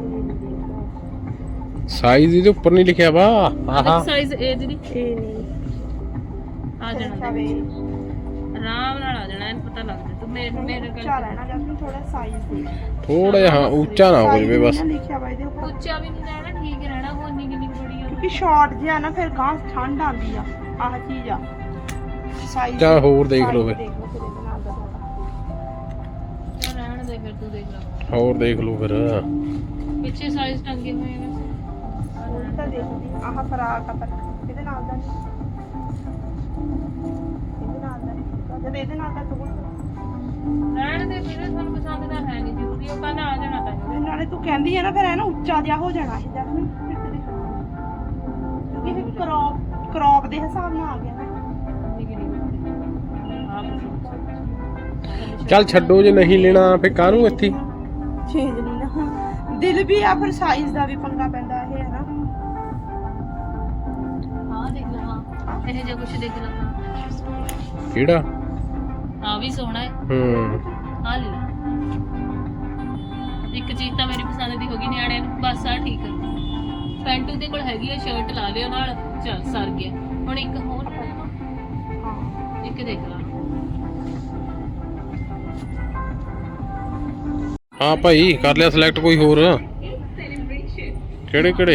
ਸਾਈਜ਼ ਇਹਦੇ ਉੱਪਰ ਨਹੀਂ ਲਿਖਿਆ ਵਾ ਆਹਾ ਸਾਈਜ਼ ਇਹ ਦੀਦੀ ਇਹ ਨਹੀਂ ਆ ਜਾਣਾ ਦੇ। ਆਰਾਮ ਨਾਲ ਆ ਜਾਣਾ, ਇਹਨੂੰ ਪਤਾ ਲੱਗ ਜਾ। ਤੂੰ ਮੇਰੇ ਉੱਚਾ ਰਹਿਣਾ ਜਦ ਥੋੜਾ ਸਾਈਜ਼ ਦੇ ਥੋੜਾ ਜਿਹਾ ਹਾਂ ਉੱਚਾ ਨਾ ਹੋ ਜਾਵੇ ਬਸ। ਲਿਖਿਆ ਵਾ ਇਹਦੇ ਉੱਪਰ ਉੱਚਾ ਵੀ ਨਹੀਂ ਰਹਿਣਾ, ਠੀਕ ਰਹਿਣਾ। ਹੁਣ ਨਹੀਂ ਕਿੰਨੀ ਬੜੀ ਆ ਕਿਉਂਕਿ ਸ਼ਾਰਟ ਜਿਹਾ ਨਾ ਫਿਰ ਗਾਂ ਠੰਡ ਆਉਂਦੀ ਆ ਆਹ ਚੀਜ਼ ਆ ਸਾਈਜ਼ ਚੱਲ ਹੋਰ ਦੇਖ ਲਓ ਫਿਰ ਦੇਖ ਲਓ ਫਿਰ ਇਹਦੇ ਨਾਲ ਦਾ ਥੋੜਾ ਚੱਲ ਰਹਿਣ ਦੇ ਫਿਰ, ਤੂੰ ਦੇਖ ਲੈ। ਹੋਰ ਦੇਖ ਲਓ ਫਿਰ ਪਿੱਛੇ ਸਾਈਜ਼ ਟੰਗੇ ਹੋਏ ਨੇ ਉਹ ਤਾਂ ਦੇਖਦੀ ਆਹ ਫਰਾਕ ਆ ਪਰ ਇਹਦੇ ਨਾਲ ਦਾ ਨਹੀਂ ਇਹਦੇ ਨਾਲ ਦਾ ਨਹੀਂ ਜਦ ਇਹਦੇ ਨਾਲ ਦਾ ਤੂੰ ਰਹਿਣ ਦੇ ਫਿਰ, ਤੁਹਾਨੂੰ ਪਸੰਦ ਤਾਂ ਹੈ ਨਹੀਂ ਜ਼ਰੂਰੀ, ਉਹ ਕਹਿੰਦਾ ਆ ਜਾਣਾ ਤਾਂ ਨਾਲੇ ਤੂੰ ਕਹਿੰਦੀ ਆ ਨਾ ਫਿਰ ਇਹ ਨਾ ਉੱਚਾ ਜਿਹਾ ਹੋ ਜਾਣਾ ਇਹ ਜਦ ਨੂੰ ਕਿਉਂਕਿ ਇਹ ਕ੍ਰੌਪ ਦੇ ਹਿਸਾਬ ਨਾਲ ਆ ਗਿਆ ਨਾ ਚੱਲ ਛੱਡੋ ਜੇ ਨਹੀਂ ਲੈਣਾ ਫਿਰ ਕਾਹਨੂੰ ਇੱਥੇ ਚੇਂਜ ਨਹੀਂ ਨਾ ਦਿਲ ਵੀ ਆ ਫਿਰ ਸਾਈਜ਼ ਦਾ ਵੀ ਪੰਗਾ ਪੈਂਦਾ ਇਹ ਹੈ ਨਾ ਹਾਂ ਦੇਖ ਲਾ। ਹਾਂ ਇਹ ਜੇ ਕੁਛ ਦੇਖ ਲਾ। ਕਿਹੜਾ ਆ ਵੀ ਸੋਹਣਾ ਹੈ, ਆ ਲੈ ਲਾ। ਇੱਕ ਚੀਜ਼ ਤਾਂ ਮੇਰੀ ਪਸੰਦ ਦੀ ਹੋ ਗਈ ਨਿਆਣਿਆਂ ਨੂੰ, ਬਸ ਆ ਠੀਕ ਹੈ। ਪੈਂਟ ਉਹਦੇ ਕੋਲ ਹੈਗੀ ਆ, ਸ਼ਰਟ ਲਾ ਲਿਓ ਨਾਲ, ਚੱਲ ਸਰ ਗਿਆ। ਹੁਣ ਇੱਕ ਹੋਰ ਹਾਂ ਇੱਕ ਦੇਖ ਲਾ। ਹਾਂ ਭਾਈ ਕਰ ਲਿਆ ਸਿਲੈਕਟ ਕੋਈ ਹੋਰ ਕਿਹੜੇ ਕਿਹੜੇ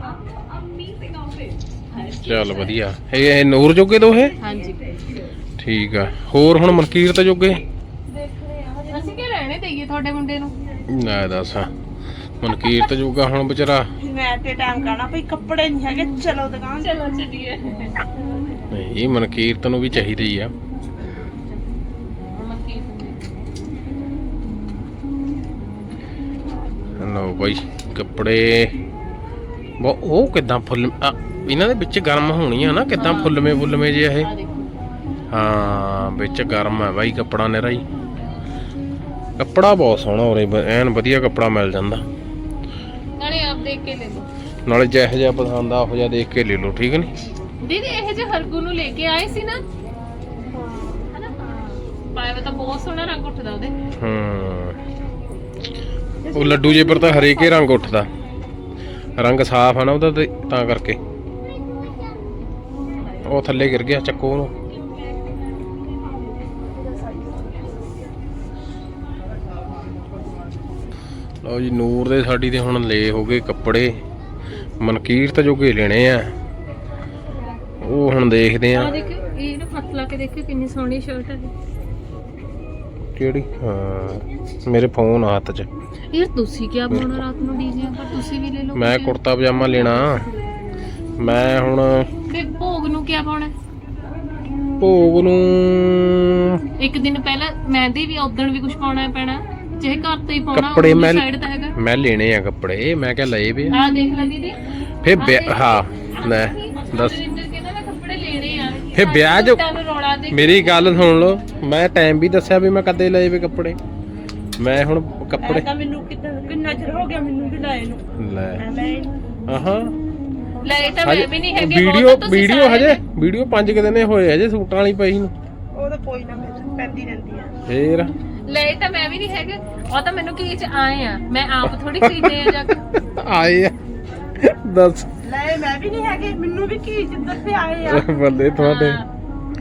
ਚੱਲ ਵਧੀਆ ਇਹ ਨੂਰ ਜੋਗੇ ਦੋ ਇਹ ਹਾਂਜੀ ਠੀਕ ਆ ਹੋਰ ਹੁਣ ਮਨਕੀਰਤ ਜੋਗੇ ਅਸੀਂ ਕੀ ਲੈਣੇ ਦੇਈਏ ਤੁਹਾਡੇ ਮੁੰਡੇ ਨੂੰ? ਨਾ ਦੱਸ ਮਨਕੀਰਤ ਜੋਗਾ ਹੁਣ ਵਿਚਾਰਾ ਮੈਂ ਤੇ ਟਾਈਮ ਕਹਿਣਾ ਭਈ ਕੱਪੜੇ ਨਹੀਂ ਹੈਗੇ ਚਲੋ ਦੁਕਾਨ ਚਲੋ ਚੱਲੀਏ। ਨਹੀਂ ਮਨਕੀਰਤ ਨੂੰ ਵੀ ਚਾਹੀਦੇ ਹੀ ਆ ਲਓ ਬਾਈ ਕੱਪੜੇ ਉਹ ਕਿਦਾਂ ਫੁੱਲ ਇਹਨਾਂ ਦੇ ਵਿੱਚ ਗਰਮ ਹੋਣੀ ਆ ਨਾ ਕਿਦਾਂ ਫੁੱਲਵੇਂ ਜੇ ਇਹ ਹਾਂ ਵਿੱਚ ਗਰਮ ਆ ਬਾਈ ਕੱਪੜਾ ਨਿਰਾ ਹੀ ਕੱਪੜਾ ਬਹੁਤ ਸੋਹਣਾ ਉਰੇ ਐਨ ਵਧੀਆ ਕੱਪੜਾ ਮਿਲ ਜਾਂਦਾ ਨਾਲੇ ਆਪ ਦੇਖ ਕੇ ਲੈ ਲਓ, ਨਾਲੇ ਜਿਹੋ ਜਿਹਾ ਪਸੰਦ ਆ ਉਹ ਜਿਹਾ ਦੇਖ ਕੇ ਲੈ ਲਓ ਠੀਕ ਨਹੀਂ ਦੀਦੀ ਇਹ ਜੇ ਹਰਗੂ ਨੂੰ ਲੈ ਕੇ ਆਏ ਸੀ ਨਾ ਹਨਾ ਪਾਇਆ ਵਾ ਤਾਂ ਬਹੁਤ ਸੋਹਣਾ ਰੰਗ ਉੱਠਦਾ ਉਹਦੇ। ਉਹ ਲੱਡੂ ਜੇ ਪਰ ਤਾਂ ਹਰੇਕੇ ਰੰਗ ਉੱਠਦਾ ਰੰਗ ਸਾਫ਼ ਆ ਨਾ ਉਹਦਾ ਤੇ ਤਾਂ ਕਰਕੇ ਉਹ ਥੱਲੇ ਗਿਰ ਗਿਆ ਚੱਕੋ ਉਹਨੂੰ ਲਓ ਜੀ ਨੂਰ ਦੇ ਸਾਡੀ ਦੇ ਹੁਣ ਲੈ ਹੋ ਗਏ ਕੱਪੜੇ ਮਨਕੀਰਤ ਜੋਗੇ ਲੈਣੇ ਆ ਉਹ ਹੁਣ ਦੇਖਦੇ ਆ ਦੇਖ ਇਹ ਨਾ ਹੱਥ ਲਾ ਕੇ ਦੇਖੋ ਕਿੰਨੀ ਸੋਹਣੀ ਸ਼ਰਟ ਹੈ ਕਿਹੜੀ ਹਾਂ ਮੇਰੇ ਫੋਨ ਆ ਹੱਥ 'ਚ ਯਾਰ ਤੁਸੀਂ ਕੀ ਪਾਉਣਾ ਰਾਤ ਨੂੰ ਡੀਜੇ ਪਰ ਤੁਸੀਂ ਵੀ ਲੈ ਲਓ ਮੈਂ ਕੁੜਤਾ ਪਜਾਮਾ ਲੈਣਾ ਮੈਂ ਹੁਣ ਤੇ ਭੋਗ ਨੂੰ ਕੀ ਪਾਉਣਾ? ਭੋਗ ਨੂੰ ਇੱਕ ਦਿਨ ਪਹਿਲਾਂ ਮਹਿੰਦੀ ਵੀ ਉਦਣ ਵੀ ਕੁਝ ਪਾਉਣਾ ਪੈਣਾ ਜੇ ਘਰ ਤੋਂ ਹੀ ਪਾਉਣਾ ਕੱਪੜੇ ਮੈਂ ਸਾਈਡ ਤਾਂ ਹੈਗਾ ਮੈਂ ਲੈਣੇ ਆ ਕੱਪੜੇ ਮੈਂ ਕਿਹਾ ਲਏ ਵੇ ਆ ਦੇਖ ਲੈ ਦੀਦੀ ਫੇ ਹਾਂ ਲੈ ਦੱਸ ਕਹਿੰਦਾ ਮੈਂ ਕੱਪੜੇ ਲੈਣੇ ਆ ਫੇ ਵਿਆਹ ਜੋ ਤੁਹਾਨੂੰ ਰੌਲਾ ਦੇ ਮੇਰੀ ਗੱਲ ਸੁਣ ਲਓ ਮੈਂ ਟਾਈਮ ਵੀ ਦੱਸਿਆ ਵੀ ਮੈਂ ਕਦੇ ਲਏ ਵੇ ਕੱਪੜੇ ਮੈਂ ਹੁਣ ਕੱਪੜੇ ਤਾਂ ਮੈਨੂੰ ਕਿੰਨਾ ਚਿਰ ਹੋ ਗਿਆ ਮੈਨੂੰ ਵੀ ਲਾਏ ਨੂੰ ਲੈ ਮੈਂ ਆਹਾਂ ਲੈ ਤਾਂ ਮੈਂ ਵੀ ਨਹੀਂ ਹੈਗੇ ਵੀਡੀਓ ਹਜੇ ਵੀਡੀਓ 5 ਦਿਨੇ ਹੋਏ ਹਜੇ ਸੂਟਾਂ ਵਾਲੀ ਪਈ ਨੂੰ ਉਹ ਤਾਂ ਕੋਈ ਨਾ ਮੈਂ ਪੈਂਦੀ ਰਹਿੰਦੀ ਆ ਫੇਰ ਲੈ ਤਾਂ ਮੈਂ ਵੀ ਨਹੀਂ ਹੈਗੇ ਉਹ ਤਾਂ ਮੈਨੂੰ ਕੀ ਚ ਆਏ ਆ ਮੈਂ ਆਪ ਥੋੜੀ ਖਰੀਦੇ ਆ ਜਾ ਕੇ ਆਏ ਆ ਦੱਸ ਲੈ ਮੈਂ ਵੀ ਨਹੀਂ ਹੈਗੇ ਮੈਨੂੰ ਵੀ ਕੀ ਜਿੱਦਾਂ ਤੇ ਆਏ ਆ ਬੰਦੇ ਤੁਹਾਡੇ ਹਾਂ।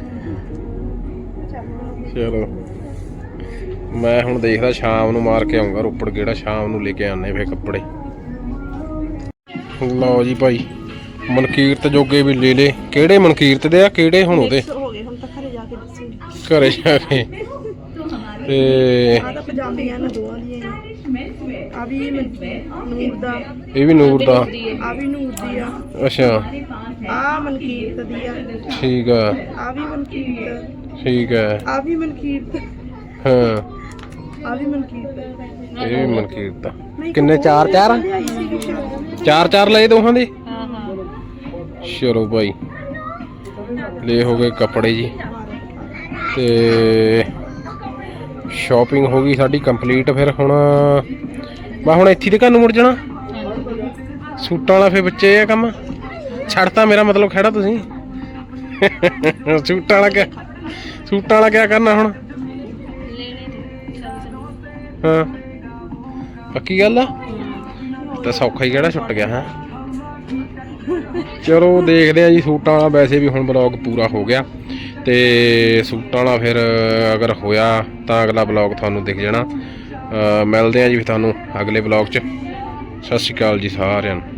ਚਲੋ ਮੈਂ ਹੁਣ ਦੇਖਦਾ ਸ਼ਾਮ ਨੂੰ ਮਾਰ ਕੇ ਆਉਂਗਾ ਰੋਪੜ ਕਿਹੜਾ ਸ਼ਾਮ ਨੂੰ ਲੈ ਕੇ ਆਨੇ ਫੇ ਕੱਪੜੇ ਲਓ ਜੀ ਭਾਈ ਮਨਕੀਰਤ ਜੋਗੇ ਵੀ ਲੈ ਲੇ। ਕਿਹੜੇ ਮਨਕੀਰਤ ਦੇ ਆ ਕਿਹੜੇ ਹੁਣ ਉਹਦੇ ਹੋ ਗਏ ਹੁਣ ਤਾਂ ਘਰੇ ਜਾ ਕੇ ਦੱਸੂਗੀ। ਘਰੇ ਜਾ ਕੇ ਤੇ ਆ ਤਾਂ ਪਜਾਮੀਆਂ ਨੇ ਦੋਵਾਂ ਦੀਆਂ ਆ ਵੀ ਨੂਰ ਦਾ ਇਹ ਵੀ ਨੂਰ ਦਾ ਆ ਵੀ ਨੂਰ ਦੀ ਆ ਅੱਛਾ ਆ ਮਨਕੀਰਤ ਦੀ ਆ ਠੀਕ ਆ ਆ ਵੀ ਮਨਕੀਰਤ ਠੀਕ ਹੈ ਆ ਵੀ ਮਨਕੀਰਤ ਹਾਂ ਆ ਵੀ ਮਨਕੀਰਤ ਇਹ ਵੀ ਮਨਕੀਰਤ ਦਾ ਕਿੰਨੇ ਚਾਰ ਚਾਰ ਲਿਆਈ ਸੀਗੀ ਸ਼ਾਇਦ। ਚਾਰ ਚਾਰ ਲਏ ਦੋਹਾਂ ਦੇ ਹਾਂ ਹਾਂ ਚਲੋ ਭਾਈ ਲੈ ਹੋ ਗਏ ਕੱਪੜੇ ਜੀ ਤੇ ਸ਼ਾਪਿੰਗ ਹੋ ਗਈ ਸਾਡੀ ਕੰਪਲੀਟ। ਫਿਰ ਹੁਣ ਮੈਂ ਹੁਣ ਇੱਥੇ ਦੇ ਘਰ ਨੂੰ ਮੁੜ ਜਾਣਾ ਸੂਟਾਂ ਵਾਲਾ। ਫਿਰ ਬੱਚੇ ਆ ਕੰਮ ਛੱਡਤਾ ਮੇਰਾ ਮਤਲਬ ਖੜਾ ਤੁਸੀਂ ਸੂਟਾਂ ਵਾਲਾ ਕਿਆ ਕਰਨਾ ਹੁਣ ਹਾਂ ਪੱਕੀ ਗੱਲ ਆ ਤਾਂ ਸੌਖਾ ਹੀ ਕਿਹੜਾ ਛੁੱਟ ਗਿਆ ਹੈ। ਚਲੋ ਦੇਖਦੇ ਆ ਜੀ ਸੂਟਾਂ ਵਾਲਾ। ਵੈਸੇ ਵੀ ਹੁਣ ਬਲੌਗ ਪੂਰਾ ਹੋ ਗਿਆ ਤੇ ਸੂਟਾਂ ਵਾਲਾ ਫਿਰ ਅਗਰ ਹੋਇਆ ਤਾਂ ਅਗਲਾ ਬਲੌਗ ਤੁਹਾਨੂੰ ਦਿਖ ਜਾਣਾ। ਮਿਲਦੇ ਆ ਜੀ ਫਿਰ ਤੁਹਾਨੂੰ ਅਗਲੇ ਬਲੌਗ 'ਚ। ਸਤਿ ਸ਼੍ਰੀ ਅਕਾਲ ਜੀ ਸਾਰਿਆਂ ਨੂੰ।